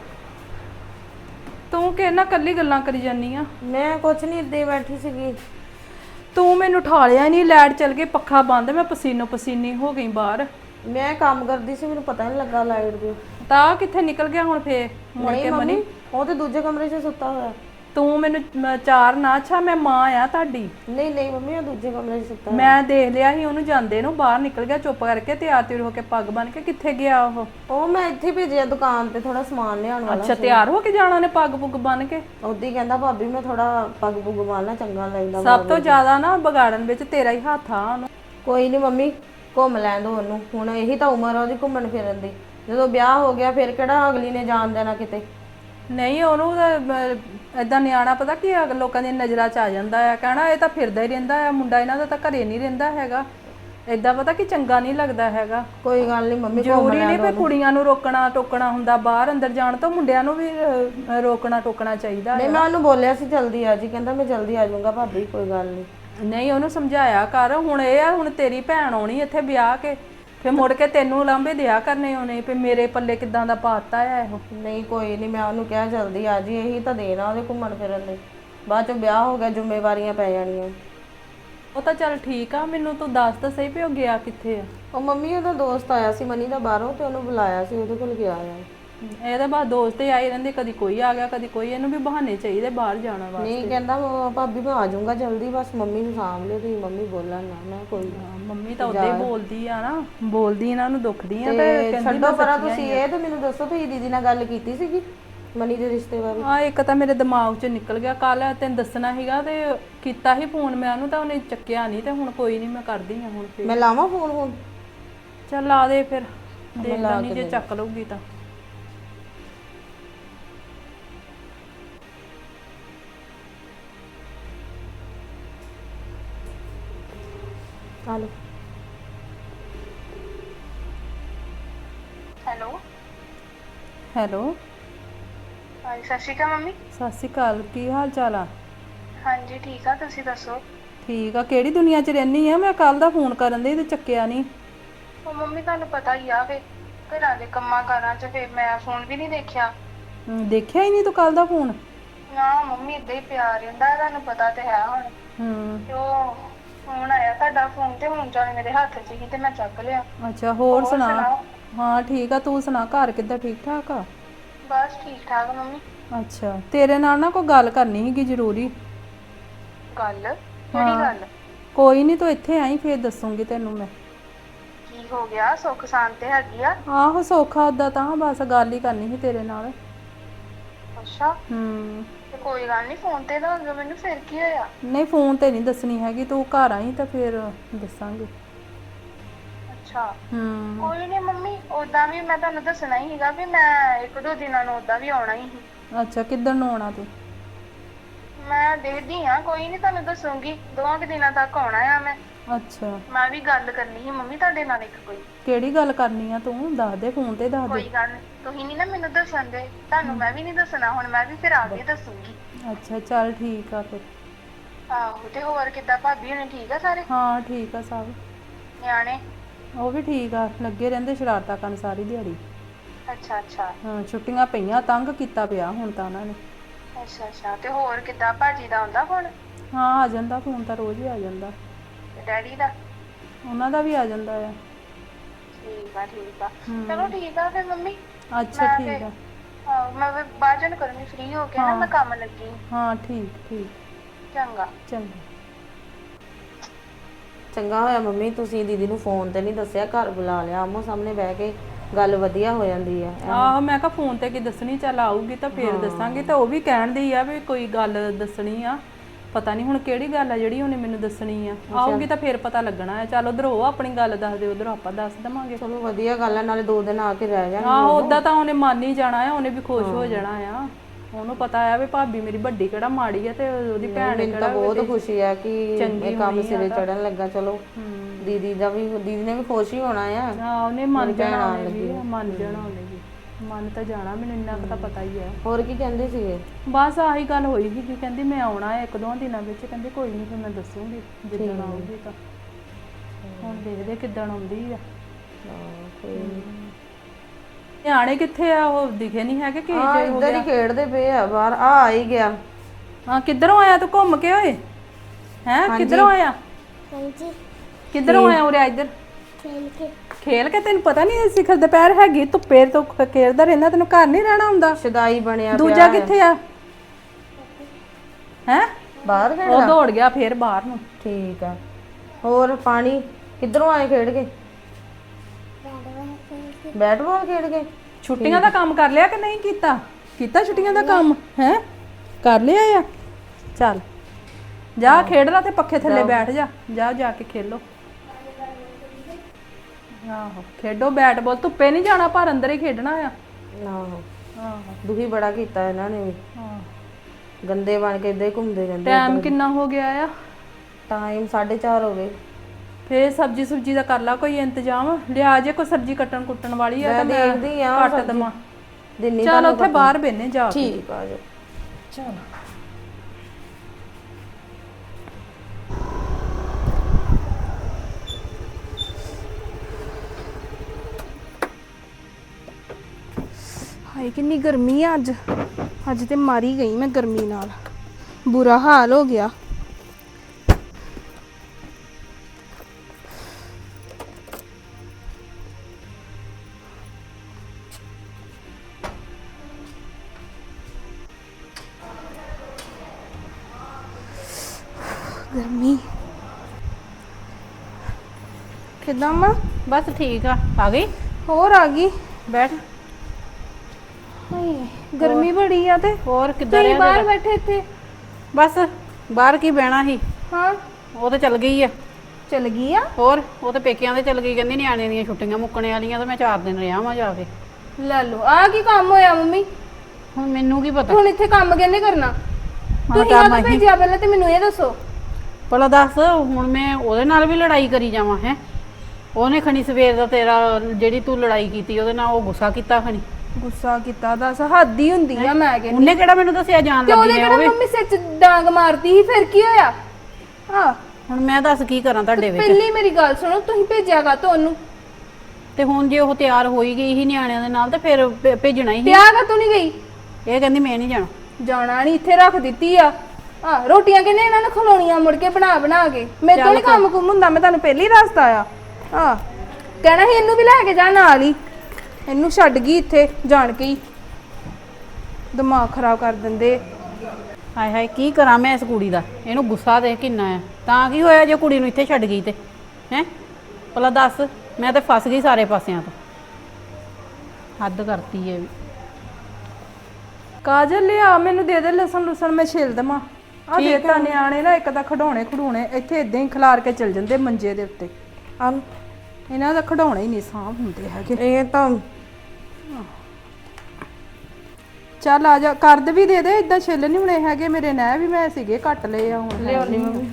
A: ਤੂੰ ਕਿਹਨਾਂ ਨਾਲ ਕੱਲੀ ਗੱਲਾਂ ਕਰੀ ਜਾਨੀ ਆ?
E: ਮੈਂ ਕੁਛ ਨਹੀਂ, ਇੱਦਾਂ ਹੀ ਬੈਠੀ ਸੀਗੀ।
A: ਤੂੰ ਮੈਨੂੰ ਠਾਲਿਆ ਨਹੀਂ, ਲਾਈਟ ਚਲ ਗਈ, ਪੱਖਾ ਬੰਦ, ਮੈਂ ਪਸੀਨੋ ਪਸੀਨੀ ਹੋ ਗਈ ਬਾਹਰ।
E: ਮੈਂ ਕੰਮ ਕਰਦੀ ਸੀ, ਮੈਨੂੰ ਪਤਾ ਨਹੀਂ ਲੱਗਾ ਲਾਈਟ ਦੀ।
A: ਤਾਂ ਕਿੱਥੇ ਨਿਕਲ ਗਿਆ ਹੁਣ ਫੇਰ ਮੁੜ ਕੇ ਮਨੀ?
E: ਉਹ ਤੇ ਦੂਜੇ ਕਮਰੇ 'ਚ ਸੁੱਤਾ ਹੋਇਆ।
A: ਤੂੰ ਮੈਨੂੰ ਚਾਰ ਨਾ, ਅੱਛਾ ਮੈਂ ਮਾਂ ਆ ਤੁਹਾਡੀ।
E: ਨਹੀਂ ਨਹੀਂ ਮੰਮੀ, ਉਹ ਦੂਜੇ ਕਮਰੇ 'ਚ ਸੁੱਤਾ।
A: ਮੈਂ ਦੇਖ ਲਿਆ ਸੀ ਉਹਨੂੰ ਜਾਂਦੇ ਨੂੰ, ਬਾਹਰ ਨਿਕਲ ਗਿਆ ਚੁੱਪ ਕਰਕੇ, ਤਿਆਰ ਤਿਉਰ ਹੋ ਕੇ ਪੱਗ ਬੰਨ ਕੇ। ਕਿੱਥੇ ਗਿਆ ਉਹ?
E: ਉਹ ਮੈਂ ਇੱਥੇ ਭੇਜਿਆ ਦੁਕਾਨ ਤੇ ਥੋੜਾ ਸਮਾਨ ਲਿਆਉਣ ਵਾਲਾ।
A: ਅੱਛਾ ਤਿਆਰ ਹੋ ਕੇ ਜਾਣਾ ਨੇ ਪੱਗ ਪੁੱਗ ਬੰਨ ਕੇ?
E: ਉਦੋਂ ਹੀ ਕਹਿੰਦਾ ਭਾਬੀ ਮੈਂ ਥੋੜਾ ਪੱਗ ਪੁੱਗ ਬੰਨਣਾ ਚੰਗਾ ਲੱਗਦਾ।
A: ਸਭ ਤੋਂ ਜ਼ਿਆਦਾ ਨਾ ਵਿਗਾੜਨ ਵਿੱਚ ਤੇਰਾ ਹੀ ਹੱਥ ਆ ਉਹਨੂੰ।
E: ਕੋਈ ਨਹੀਂ ਮੰਮੀ, ਘੁੰਮ ਲੈਣ ਦੋ ਉਹਨੂੰ, ਹੁਣ ਇਹੀ ਤਾਂ ਉਮਰ ਆ ਉਹਦੀ ਘੁੰਮਣ ਫਿਰਨ ਦੀ। ਜਦੋਂ ਵਿਆਹ ਹੋ ਗਿਆ ਫਿਰ ਕਿਹੜਾ ਅਗਲੀ ਨੇ ਜਾਣ ਦੇਣਾ ਕਿਤੇ।
A: ਨਹੀਂ ਉਹਨੂੰ ਏਦਾਂ ਨਿਆਣਾ ਪਤਾ ਕੀ ਲੋਕਾਂ ਦੀਆਂ ਨਜ਼ਰਾਂ 'ਚ ਆ ਜਾਂਦਾ ਆ, ਕਹਿਣਾ ਇਹ ਤਾਂ ਫਿਰਦਾ ਹੀ ਰਹਿੰਦਾ ਆ, ਮੁੰਡਾ ਇਹਨਾਂ ਦਾ ਤਾਂ ਘਰੇ ਨਹੀਂ ਰਹਿੰਦਾ ਹੈਗਾ। ਏਦਾਂ ਪਤਾ ਕਿ ਚੰਗਾ ਨਹੀਂ ਲੱਗਦਾ ਹੈਗਾ।
E: ਕੋਈ ਗੱਲ ਨਹੀਂ ਮੰਮੀ,
A: ਜ਼ਰੂਰੀ ਨਹੀਂ ਵੀ ਕੁੜੀਆਂ ਨੂੰ ਰੋਕਣਾ ਟੋਕਣਾ ਹੁੰਦਾ ਬਾਹਰ ਅੰਦਰ ਜਾਣ ਤੋਂ, ਮੁੰਡਿਆਂ ਨੂੰ ਵੀ ਰੋਕਣਾ ਟੋਕਣਾ ਚਾਹੀਦਾ।
E: ਨਹੀਂ ਮੈਂ ਉਹਨੂੰ ਬੋਲਿਆ ਸੀ ਜਲਦੀ ਆ ਜੀ, ਕਹਿੰਦਾ ਮੈਂ ਜਲਦੀ ਆ ਜਾਊਂਗਾ ਭਾਬੀ, ਕੋਈ ਗੱਲ ਨਹੀਂ।
A: ਨਹੀਂ ਉਹਨੂੰ ਸਮਝਾਇਆ ਕਰ। ਹੁਣ ਇਹ ਆ, ਹੁਣ ਤੇਰੀ ਭੈਣ ਆਉਣੀ ਇੱਥੇ ਵਿਆਹ ਕੇ, ਫਿਰ ਮੁੜ ਕੇ ਤੈਨੂੰ ਲਾਂਭੇ ਦਿਆ ਕਰਨੇ ਉਹਨੇ ਵੀ ਮੇਰੇ ਪੱਲੇ ਕਿੱਦਾਂ ਦਾ ਪਾਤਾ ਆ ਇਹੋ।
E: ਨਹੀਂ ਕੋਈ ਨਹੀਂ, ਮੈਂ ਉਹਨੂੰ ਕਿਹਾ ਜਲਦੀ ਆ ਜੀ, ਇਹੀ ਤਾਂ ਦੇਣਾ ਉਹਦੇ ਘੁੰਮਣ ਫਿਰਨ ਲਈ। ਬਾਅਦ ਚੋਂ ਵਿਆਹ ਹੋ ਗਿਆ ਜ਼ਿੰਮੇਵਾਰੀਆਂ ਪੈ ਜਾਣੀਆਂ।
A: ਉਹ ਤਾਂ ਚੱਲ ਠੀਕ ਆ, ਮੈਨੂੰ ਤੂੰ ਦੱਸ ਤਾਂ ਸਹੀ ਵੀ ਉਹ ਗਿਆ ਕਿੱਥੇ ਆ?
E: ਉਹ ਮੰਮੀ ਉਹਦਾ ਦੋਸਤ ਆਇਆ ਸੀ ਮਨੀ ਦਾ ਬਾਹਰੋਂ, ਤੇ ਉਹਨੂੰ ਬੁਲਾਇਆ ਸੀ, ਉਹਦੇ ਕੋਲ ਗਿਆ ਆ।
A: ਇਹਦੇ ਬਾਅਦ ਦੋਸਤ ਹੀ ਆਏ ਰਹਿੰਦੇ, ਕਦੀ ਕੋਈ ਆ ਗਿਆ ਕਦੀ ਕੋਈ। ਇਹਨੂੰ ਵੀ ਬਹਾਨੇ ਚਾਹੀਦੇ ਬਾਹਰ ਜਾਣਾ ਵਾਸਤੇ।
E: ਨਹੀਂ ਕਹਿੰਦਾ ਭਾਬੀ ਮੈਂ ਆ ਜਾਊਂਗਾ ਜਲਦੀ, ਬਸ ਮੰਮੀ ਨੂੰ ਸਾਂਭ ਲਿਓ ਤੁਸੀਂ, ਮੰਮੀ ਬੋਲਣ ਨਾ। ਮੈਂ ਕੋਈ ਨਹੀਂ।
A: ਮੰਮੀ ਤਾਂ ਉਦਾਂ ਹੀ ਬੋਲਦੀ ਆ ਨਾ, ਬੋਲਦੀ ਇਹਨਾਂ ਨੂੰ ਦੁਖਦੀ ਆ ਤੇ ਕਹਿੰਦੀ
E: ਛੱਡੋ ਪਰਾਂ ਤੁਸੀਂ, ਇਹ ਤੇ ਮੈਨੂੰ ਦੱਸੋ ਤੁਸੀਂ ਦੀਦੀ ਨਾਲ ਗੱਲ ਕੀਤੀ ਸੀਗੀ ਮਨੀ ਦੇ ਰਿਸ਼ਤੇ ਬਾਰੇ?
A: ਹਾਂ ਇੱਕ ਤਾਂ ਮੇਰੇ ਦਿਮਾਗ 'ਚ ਨਿਕਲ ਗਿਆ। ਕੱਲ ਤੈਨੂੰ ਦੱਸਣਾ ਸੀਗਾ ਤੇ ਕੀਤਾ ਸੀ ਫੋਨ ਮੈਂ ਉਹਨੂੰ, ਤਾਂ ਉਹਨੇ ਚੱਕਿਆ ਨਹੀਂ। ਤੇ ਹੁਣ ਕੋਈ ਨਹੀਂ, ਮੈਂ ਕਰਦੀ ਆ ਹੁਣ ਫਿਰ।
E: ਮੈਂ ਲਾਵਾਂ ਫੋਨ ਹੁਣ?
A: ਚੱਲ ਲਾ ਦੇ ਫਿਰ, ਦੇਖ ਲੈਣੀ ਜੇ ਚੱਕ ਲਊਗੀ ਤਾਂ।
E: ਹਲੋ।
B: ਹੈਲੋ
A: ਹੈਲੋ,
B: ਹਾਂਜੀ ਸਤਿ ਸ਼੍ਰੀ ਅਕਾਲ ਮੰਮੀ।
A: ਸਤਿ ਸ਼੍ਰੀ ਅਕਾਲ, ਕੀ ਹਾਲ ਚਾਲ ਆ?
B: ਹਾਂਜੀ ਠੀਕ ਆ, ਤੁਸੀਂ ਦੱਸੋ?
A: ਠੀਕ ਆ। ਕਿਹੜੀ ਦੁਨੀਆ 'ਚ ਰਹਿਨੀ ਆ? ਮੈਂ ਕੱਲ ਦਾ ਫੋਨ ਕਰਨ ਦੇ ਤੇ ਚੱਕਿਆ ਨਹੀਂ।
B: ਉਹ ਮੰਮੀ ਤੁਹਾਨੂੰ ਪਤਾ ਹੀ ਆ ਵੇ, ਘਰਾਂ ਦੇ ਕੰਮਾਂ ਕਾਰਾਂ 'ਚ ਫਿਰ ਮੈਂ ਫੋਨ ਵੀ ਨਹੀਂ ਦੇਖਿਆ।
A: ਦੇਖਿਆ ਹੀ ਨਹੀਂ ਤੂੰ ਕੱਲ ਦਾ ਫੋਨ?
B: ਨਾ ਮੰਮੀ ਏਦਾਂ ਹੀ ਪਿਆ ਰਹਿੰਦਾ, ਤੁਹਾਨੂੰ ਪਤਾ ਤੇ ਹੈ ਹੁਣ। ਤੇ ਉਹ ਫੋਨ ਆਇਆ ਤੁਹਾਡਾ ਫੋਨ, ਤੇ ਹੁਣ ਚੱਲ ਮੇਰੇ ਹੱਥ 'ਚ ਹੀ ਤੇ ਮੈਂ ਚੱਕ ਲਿਆ।
A: ਅੱਛਾ ਹੋਰ ਸੁਣਾ? ਹਾਂ ਠੀਕ ਆ, ਤੂੰ ਸੁਣਾ ਘਰ ਕਿੱਦਾਂ, ਠੀਕ ਠਾਕ ਆ?
B: ਬਸ ਠੀਕ ਠਾਕ ਮੰਮੀ।
A: ਅੱਛਾ ਤੇਰੇ ਨਾਲ ਨਾ ਕੋਈ ਗੱਲ ਕਰਨੀ ਸੀਗੀ ਜ਼ਰੂਰੀ।
B: ਗੱਲ? ਕਿਹੜੀ ਗੱਲ?
A: ਕੋਈ ਨਹੀਂ, ਤੂੰ ਇੱਥੇ ਆਈ ਫੇਰ ਦੱਸੂਗੀ ਤੈਨੂੰ ਮੈਂ।
B: ਕੀ ਹੋ ਗਿਆ? ਸੁੱਖ ਸ਼ਾਂਤ ਤੇ ਹੈਗੀ ਆ?
A: ਆਹੋ ਸੌਖਾ ਉਦਾਂ ਤਾਂ, ਬਸ ਗੱਲ ਹੀ ਕਰਨੀ ਸੀ ਤੇਰੇ ਨਾਲ।
B: ਅੱਛਾ
A: ਤੇ
B: ਕੋਈ ਗੱਲ ਨਹੀਂ, ਫੋਨ ਤੇ ਦੱਸ ਦਿਓ ਮੈਨੂੰ, ਫਿਰ ਕੀ ਹੋਇਆ?
A: ਨਹੀਂ ਫੋਨ ਤੇ ਨਹੀਂ ਦੱਸਣੀ ਹੈਗੀ, ਤੂੰ ਘਰ ਆਈ ਤਾਂ ਫਿਰ ਦੱਸਾਂਗੇ।
B: ਅੱਛਾ ਕੋਈ ਨਹੀਂ ਮੰਮੀ, ਉਦਾਂ ਵੀ ਮੈਂ ਤੁਹਾਨੂੰ ਦੱਸਣਾ ਹੀ ਸੀਗਾ ਵੀ ਮੈਂ ਇੱਕ ਦੋ ਦਿਨਾਂ ਨੂੰ ਉਦਾਂ ਵੀ ਆਉਣਾ ਹੀ ਸੀ।
A: ਅੱਛਾ ਕਿੱਦਣ ਨੂੰ ਆਉਣਾ ਤੂੰ?
B: ਮੈਂ ਦੇਖਦੀ ਹਾਂ, ਕੋਈ ਨਹੀਂ ਤੁਹਾਨੂੰ ਦੱਸੂਗੀ, 2 ਦਿਨਾਂ ਤੱਕ ਆਉਣਾ ਆ ਮੈਂ।
A: ਅੱਛਾ
B: ਮੈਂ ਵੀ ਗੱਲ ਕਰਨੀ ਸੀ ਮੰਮੀ ਤੁਹਾਡੇ ਨਾਲ ਇੱਕ ਕੋਈ।
A: ਕਿਹੜੀ ਗੱਲ ਕਰਨੀ ਆ ਤੂੰ? ਦੱਸ ਦੇ, ਫੋਨ ਤੇ ਦੱਸ ਦੇ।
B: ਕੋਈ ਗੱਲ ਨੀ, ਤੁਸੀਂ ਨਹੀਂ ਨਾ ਮੈਨੂੰ ਦੱਸਣ ਦੇ, ਤੁਹਾਨੂੰ ਮੈਂ ਵੀ ਨਹੀਂ ਦੱਸਣਾ, ਹੁਣ ਮੈਂ ਵੀ ਫਿਰ ਆ ਕੇ ਦੱਸੂਗੀ।
A: ਅੱਛਾ ਚੱਲ ਠੀਕ ਆ ਫਿਰ।
B: ਆਹੋ ਤੇ ਹੋਰ ਕਿੱਦਾਂ, ਭਾਬੀ ਹੁਣੇ ਠੀਕ ਆ ਸਾਰੇ?
A: ਹਾਂ ਠੀਕ ਆ ਸਭ।
B: ਨਿਆਣੇ?
A: ਉਹ ਵੀ ਠੀਕ ਆ, ਲੱਗੇ ਰਹਿੰਦੇ ਸ਼ਰਾਰਤਾਂ ਕਰਨ ਸਾਰੀ ਦਿਹਾੜੀ।
B: ਅੱਛਾ ਅੱਛਾ।
A: ਹਾਂ ਛੁੱਟੀਆਂ ਪਈਆਂ, ਤੰਗ ਕੀਤਾ ਪਿਆ ਹੁਣ ਤਾਂ ਉਹਨਾਂ ਨੇ।
B: ਅੱਛਾ ਅੱਛਾ ਤੇ ਹੋਰ ਕਿੱਦਾਂ, ਭਾਜੀ ਦਾ ਆਉਂਦਾ ਫੋਨ?
A: ਹਾਂ ਆ ਜਾਂਦਾ ਫੋਨ ਤਾਂ, ਰੋਜ਼ ਹੀ ਆ ਜਾਂਦਾ।
B: ਤੇ ਡੈਡੀ ਦਾ?
A: ਉਹਨਾਂ ਦਾ ਵੀ ਆ ਜਾਂਦਾ ਆ।
B: ਠੀਕ ਆ ਚਲੋ ਠੀਕ ਆ ਫਿਰ ਮੰਮੀ।
A: ਅੱਛਾ ਠੀਕ ਆ।
B: ਹਾਂ ਮੈਂ ਫਿਰ ਬਾਅਦ ਚ ਕਰਨੀ, ਫ੍ਰੀ ਹੋ ਕੇ ਨਾ ਮੈਂ ਕੰਮ ਲੱਗੀ।
A: ਹਾਂ ਠੀਕ ਠੀਕ।
B: ਚੰਗਾ
A: ਚੰਗਾ।
E: ਚੰਗਾ ਹੋਇਆ ਮੰਮੀ ਤੁਸੀਂ ਦੀਦੀ ਨੂੰ ਫੋਨ ਤੇ ਨਹੀਂ ਦੱਸਿਆ, ਘਰ ਬੁਲਾ ਲਿਆ, ਆਮੋ ਸਾਹਮਣੇ ਬਹਿ ਕੇ ਗੱਲ ਵਧੀਆ ਹੋ ਜਾਂਦੀ ਆ।
A: ਆਹੋ ਮੈਂ ਕਿਹਾ ਫੋਨ ਤੇ ਕੀ ਦੱਸਣੀ, ਚੱਲ ਆਊਗੀ ਤਾਂ ਫੇਰ ਦੱਸਾਂਗੇ। ਤਾਂ ਉਹ ਵੀ ਕਹਿਣ ਦੀ ਆ ਵੀ ਕੋਈ ਗੱਲ ਦੱਸਣੀ ਆ, ਪਤਾ ਨਹੀਂ ਹੁਣ ਕਿਹੜੀ ਗੱਲ ਆ ਜਿਹੜੀ ਉਹਨੇ ਮੈਨੂੰ ਦੱਸਣੀ ਆ। ਆਊਗੀ ਤਾਂ ਫੇਰ ਪਤਾ ਲੱਗਣਾ ਆ। ਚੱਲ ਉਧਰ ਉਹ ਆਪਣੀ ਗੱਲ ਦੱਸ ਦੇ, ਉਧਰ ਆਪਾਂ ਦੱਸ ਦਵਾਂਗੇ।
E: ਚਲੋ ਵਧੀਆ ਗੱਲ ਹੈ, ਨਾਲੇ 2 ਦਿਨ ਆ ਕੇ ਰਹਿ ਜਾਣਗੇ।
A: ਆਹੋ ਉਦਾਂ ਤਾਂ ਉਹਨੇ ਮੰਨ ਹੀ ਜਾਣਾ ਆ, ਉਹਨੇ ਵੀ ਖੁਸ਼ ਹੋ ਜਾਣਾ ਆ। ਉਹਨੂੰ ਪਤਾ ਆ ਵੀ ਭਾਬੀ ਮੇਰੀ ਵੱਡੀ ਕਿਹੜਾ ਮਾੜੀ ਆ ਤੇ ਉਹਦੀ ਭੈਣ
E: ਮੈਨੂੰ ਤਾਂ ਬਹੁਤ ਖੁਸ਼ੀ ਆ ਕਿ ਇਹ ਕੰਮ ਸਿਰੇ ਚੜਨ ਲੱਗਾ। ਚਲੋ ਦੀਦੀ ਨੇ ਵੀ ਖੁਸ਼ ਹੀ ਹੋਣਾ ਆ।
A: ਹਾਂ ਉਹਨੇ ਮੰਨ ਜਾਣਾ, ਉਹਨੇ ਵੀ ਮੰਨ ਜਾਣਾ, ਉਹਨੇ ਵੀ ਮੰਨ ਤਾਂ ਜਾਣਾ, ਮੈਨੂੰ ਇੰਨਾ ਕੁ ਤਾਂ ਪਤਾ ਹੀ ਆ।
E: ਹੋਰ ਕੀ ਕਹਿੰਦੇ ਸੀਗੇ?
A: ਬਸ ਆਹੀ ਗੱਲ ਹੋਈ ਸੀ ਕਿ ਕਹਿੰਦੀ ਮੈਂ ਆਉਣਾ ਹੈ 1-2 ਦਿਨਾਂ ਵਿੱਚ। ਕਹਿੰਦੀ ਕੋਈ ਨਹੀਂ ਫਿਰ ਮੈਂ ਦੱਸੂਗੀ ਜਿੱਦਣ ਆਊਗੀ ਤਾਂ। ਹੁਣ ਦੇਖਦੇ ਕਿੱਦਣ ਆਉਂਦੀ ਆ।
E: ਕੋਈ ਨਹੀਂ।
A: ਨਿਆਣੇ ਕਿੱਥੇ ਆ? ਉਹ ਦਿਖੇ ਨਹੀਂ ਹੈਗੇ ਕਿ
E: ਹਾਂ ਇੱਧਰ ਹੀ ਖੇਡਦੇ ਪਏ ਆ ਬਾਹਰ। ਆ ਹੀ ਗਿਆ।
A: ਹਾਂ ਕਿੱਧਰੋਂ ਆਇਆ ਤੂੰ ਘੁੰਮ ਕੇ ਓਏ? ਕਿੱਧਰੋਂ ਆਇਆ?
D: ਹਾਂਜੀ
A: ਕਿੱਧਰੋਂ ਆਇਆ? ਉਰੇ ਇੱਧਰ
D: ਖੇਲ ਕੇ
A: ਤੈਨੂੰ ਪਤਾ ਨਹੀਂ ਸਿਖਰ ਦੁਪਹਿਰ ਹੈਗੀ, ਧੁੱਪੇ ਤੋਂ ਖੇਡਦਾ ਰਹਿੰਦਾ, ਤੈਨੂੰ ਘਰ ਨਹੀਂ ਰਹਿਣਾ ਹੁੰਦਾ।
E: ਸ਼ਦਾਈ ਬਣਿਆ ਪਿਆ।
A: ਦੂਜਾ ਕਿੱਥੇ ਆ?
E: ਬਾਹਰ
A: ਉਹ
E: ਖੇਡਦਾ।
A: ਦੌੜ ਗਿਆ ਫੇਰ ਬਾਹਰ ਨੂੰ।
E: ਠੀਕ ਆ। ਹੋਰ ਪਾਣੀ ਕਿੱਧਰੋਂ ਆਏ ਖੇਡ ਕੇ? ਬੈਟ ਬਾਲ ਖੇਡ ਕੇ।
A: ਛੁੱਟੀਆਂ ਦਾ ਕੰਮ ਕਰ ਲਿਆ ਕਿ ਨਹੀਂ ਕੀਤਾ? ਕੀਤਾ ਛੁੱਟੀਆਂ ਦਾ ਕੰਮ ਕਰ ਲਿਆ ਆ। ਚੱਲ ਜਾ ਖੇਡ ਲਾ ਤੇ ਪੱਖੇ ਥੱਲੇ ਬੈਠ ਜਾ। ਜਾ ਕੇ ਖੇਲੋ। ਆਹੋ ਖੇਡੋ ਬੈਟ ਬਾਲ। ਧੁੱਪੇ ਨਹੀਂ ਜਾਣਾ, ਪਰ ਅੰਦਰ ਹੀ ਖੇਡਣਾ ਆ।
E: ਆਹੋ
A: ਆਹੋ
E: ਦੁਖੀ ਬੜਾ ਕੀਤਾ ਇਹਨਾਂ ਨੇ ਵੀ। ਗੰਦੇ ਬਣ ਕੇ ਇੱਦਾਂ ਹੀ ਘੁੰਮਦੇ ਰਹਿੰਦੇ।
A: ਟਾਈਮ ਕਿੰਨਾ ਹੋ ਗਿਆ ਆ?
E: ਟਾਈਮ 4:30 ਹੋ ਗਏ।
A: ਫੇਰ ਸਬਜੀ ਸੁਬਜੀ ਦਾ ਕਰ ਲਾ ਕੋਈ ਇੰਤਜ਼ਾਮ। ਲਿਆ ਜੇ ਕੋਈ ਸਬਜੀ ਕੁੱਟਣ ਵਾਲੀ ਆ ਤਾਂ ਮੈਂ
E: ਦੇਖਦੀ ਆ
A: ਕੱਟ ਦਵਾਂ।
E: ਦਿੰਨੀ
A: ਚੱਲ ਉੱਥੇ ਬਾਹਰ ਬੈਨੇ ਜਾ ਕੇ।
E: ਠੀਕ ਆ ਜਾ।
A: ਚਲ
F: ਹਾਏ ਕਿੰਨੀ ਗਰਮੀ ਆ ਅੱਜ ਤੇ ਮਾਰੀ ਗਈ ਮੈਂ ਗਰਮੀ ਨਾਲ। ਬੁਰਾ ਹਾਲ ਹੋ ਗਿਆ। ਗਰਮੀ ਕਿਦਾਂ ਮਾਂ?
C: ਬਸ ਠੀਕ ਆ ਗਈ?
F: ਹੋਰ ਆ ਗਈ।
C: ਬੈਠ।
F: ਹਾਏ ਗਰਮੀ ਬੜੀ ਆ ਤੇ
C: ਹੋਰ ਕਿੱਦਾਂ
F: ਤੁਸੀਂ
C: ਰਿਹਾ
F: ਬਾਹਰ
C: ਤੇਰਾ?
F: ਬੈਠੇ ਇੱਥੇ?
C: ਬਸ ਬਾਹਰ ਕੀ ਬਹਿਣਾ ਸੀ।
F: ਹਾਂ
C: ਉਹ ਤਾਂ ਚਲ ਗਈ ਆ।
F: ਚਲ ਗਈ ਆ?
C: ਹੋਰ ਉਹ ਤਾਂ ਪੇਕਿਆਂ ਦੇ ਚਲ ਗਈ। ਕਹਿੰਦੀ ਨਿਆਣੇ ਦੀਆਂ ਛੁੱਟੀਆਂ ਮੁੱਕਣੇ ਵਾਲੀਆਂ, ਤਾਂ ਮੈਂ 4 ਦਿਨ ਰਿਹਾ ਵਾਂ ਜਾ ਕੇ।
F: ਲੈ ਲਓ ਆ ਕੀ ਕੰਮ ਹੋਇਆ ਮੰਮੀ?
C: ਹੁਣ ਮੈਨੂੰ ਕੀ ਪਤਾ।
F: ਹੁਣ ਇੱਥੇ ਕੰਮ ਕਿਹਨੇ ਕਰਨਾ? ਤੁਸੀਂ
C: ਕੰਮ
F: ਆ ਭੇਜਿਆ ਪਹਿਲਾਂ ਤੇ ਮੈਨੂੰ ਇਹ ਦੱਸੋ।
C: ਭਲਾ ਦੱਸ ਹੁਣ ਮੈਂ ਉਹਦੇ ਨਾਲ ਵੀ ਲੜਾਈ ਕਰੀ ਜਾਵਾਂ? ਉਹਨੇ ਖਣੀ ਸਵੇਰ ਦਾ ਤੇਰਾ ਜਿਹੜੀ ਤੂੰ ਲੜਾਈ ਕੀਤੀ ਉਹਦੇ ਨਾਲ ਉਹ ਗੁੱਸਾ ਕੀਤਾ ਖਣੀ।
F: ਗੁੱਸਾ ਕੀਤਾ ਦੱਸ? ਹੱਦ ਹੀ ਹੁੰਦੀ ਆ ਮੈਂ ਕਹਿੰਦੀ।
C: ਉਹਨੇ ਕਿਹੜਾ ਮੈਨੂੰ ਦੱਸਿਆ ਜਾਣ
F: ਤੇ ਉਹਦੇ
C: ਲੱਗੀ
F: ਕਿਹੜਾ ਮੰਮੀ ਸਿਰ ਚ ਡਾਂਗ ਮਾਰਦੀ ਸੀ, ਫਿਰ ਕੀ ਹੋਇਆ? ਹਾਂ
C: ਹੁਣ ਮੈਂ ਦੱਸ ਕੀ ਕਰਾਂ ਤੁਹਾਡੇ ਵਿੱਚ?
F: ਪਹਿਲੀ ਮੇਰੀ ਗੱਲ ਸੁਣੋ, ਤੁਸੀਂ ਭੇਜਿਆ ਕਾ ਤੁਹਾਨੂੰ?
C: ਤੇ ਹੁਣ ਜੇ ਉਹ ਤਿਆਰ ਹੋਈ ਗਈ ਸੀ ਨਿਆਣਿਆਂ ਦੇ ਨਾਲ ਤੇ ਫਿਰ ਭੇਜਣਾ ਹੀ ਸੀ।
F: ਵਿਆਹ ਕਾ ਤੂੰ ਨਹੀਂ ਗਈ?
C: ਇਹ ਕਹਿੰਦੀ ਮੈਂ ਨਹੀਂ ਜਾਣਾ।
F: ਜਾਣਾ ਨਹੀਂ, ਇੱਥੇ ਰੱਖ ਦਿੱਤੀ ਆ। ਰੋਟੀਆਂ ਕਿਹਨੇ ਇਹਨਾਂ ਨੂੰ ਖਲੋਣੀਆਂ ਮੁੜ ਕੇ ਬਣਾ ਕੇ? ਮੇਰੇ ਤੋਂ ਨਹੀਂ ਕੰਮ ਕੁੰਮ ਹੁੰਦਾ, ਮੈਂ ਤੁਹਾਨੂੰ ਪਹਿਲੀ ਦੱਸਦਾ ਆ। ਕਹਿਣਾ ਸੀ ਇਹਨੂੰ ਵੀ ਲੈ ਕੇ ਜਾ ਨਾਲ ਹੀ। ਇਹਨੂੰ ਛੱਡ ਗਈ ਇੱਥੇ ਜਾਣ ਕੇ ਹੀ। ਦਿਮਾਗ ਖਰਾਬ ਕਰ ਦਿੰਦੇ।
C: ਹਾਏ ਹਾਏ ਕੀ ਕਰਾਂ ਮੈਂ ਇਸ ਕੁੜੀ ਦਾ? ਇਹਨੂੰ ਗੁੱਸਾ ਦੇਖ ਕਿੰਨਾ ਆ। ਤਾਂ ਕੀ ਹੋਇਆ ਜੇ ਕੁੜੀ ਨੂੰ ਇੱਥੇ ਛੱਡ ਗਈ ਤੇ? ਭਲਾ ਦੱਸ, ਮੈਂ ਤੇ ਫਸ ਗਈ ਸਾਰੇ ਪਾਸਿਆਂ ਤੋਂ। ਹੱਦ ਕਰਤੀ ਹੈ ਵੀ।
A: ਕਾਜਲ ਲਿਆ ਮੈਨੂੰ ਦੇ ਦੇ ਲਸਣ ਮੈਂ ਛਿਲ ਦਵਾਂ। ਆ ਦੇਖਾ ਨਿਆਣੇ ਨਾ ਇੱਕ ਤਾਂ ਖਡਾਉਣੇ ਇੱਥੇ ਇਦਾਂ ਹੀ ਖਿਲਾਰ ਕੇ ਚਲ ਜਾਂਦੇ ਮੰਜੇ ਦੇ ਉੱਤੇ। ਇਹਨਾਂ ਦਾ ਖਡਾਉਣੇ ਹੀ ਨਹੀਂ ਸਾਂਭ ਹੁੰਦੇ ਹੈਗੇ।
E: ਇਹ ਤਾਂ
A: ਚੱਲ ਆ ਜਾ, ਕਰਦ ਵੀ ਦੇ ਦੇ। ਇਦਾਂ ਛਿੱਲ ਨਹੀਂ ਹੋਣੇ ਹੈਗੇ ਮੇਰੇ। ਨਹਿ ਵੀ ਮੈਂ ਸੀਗੇ ਕੱਟ ਲਏ ਆ। ਹੁਣ
E: ਲਿਆਉਣੀ ਮੰਮੀ।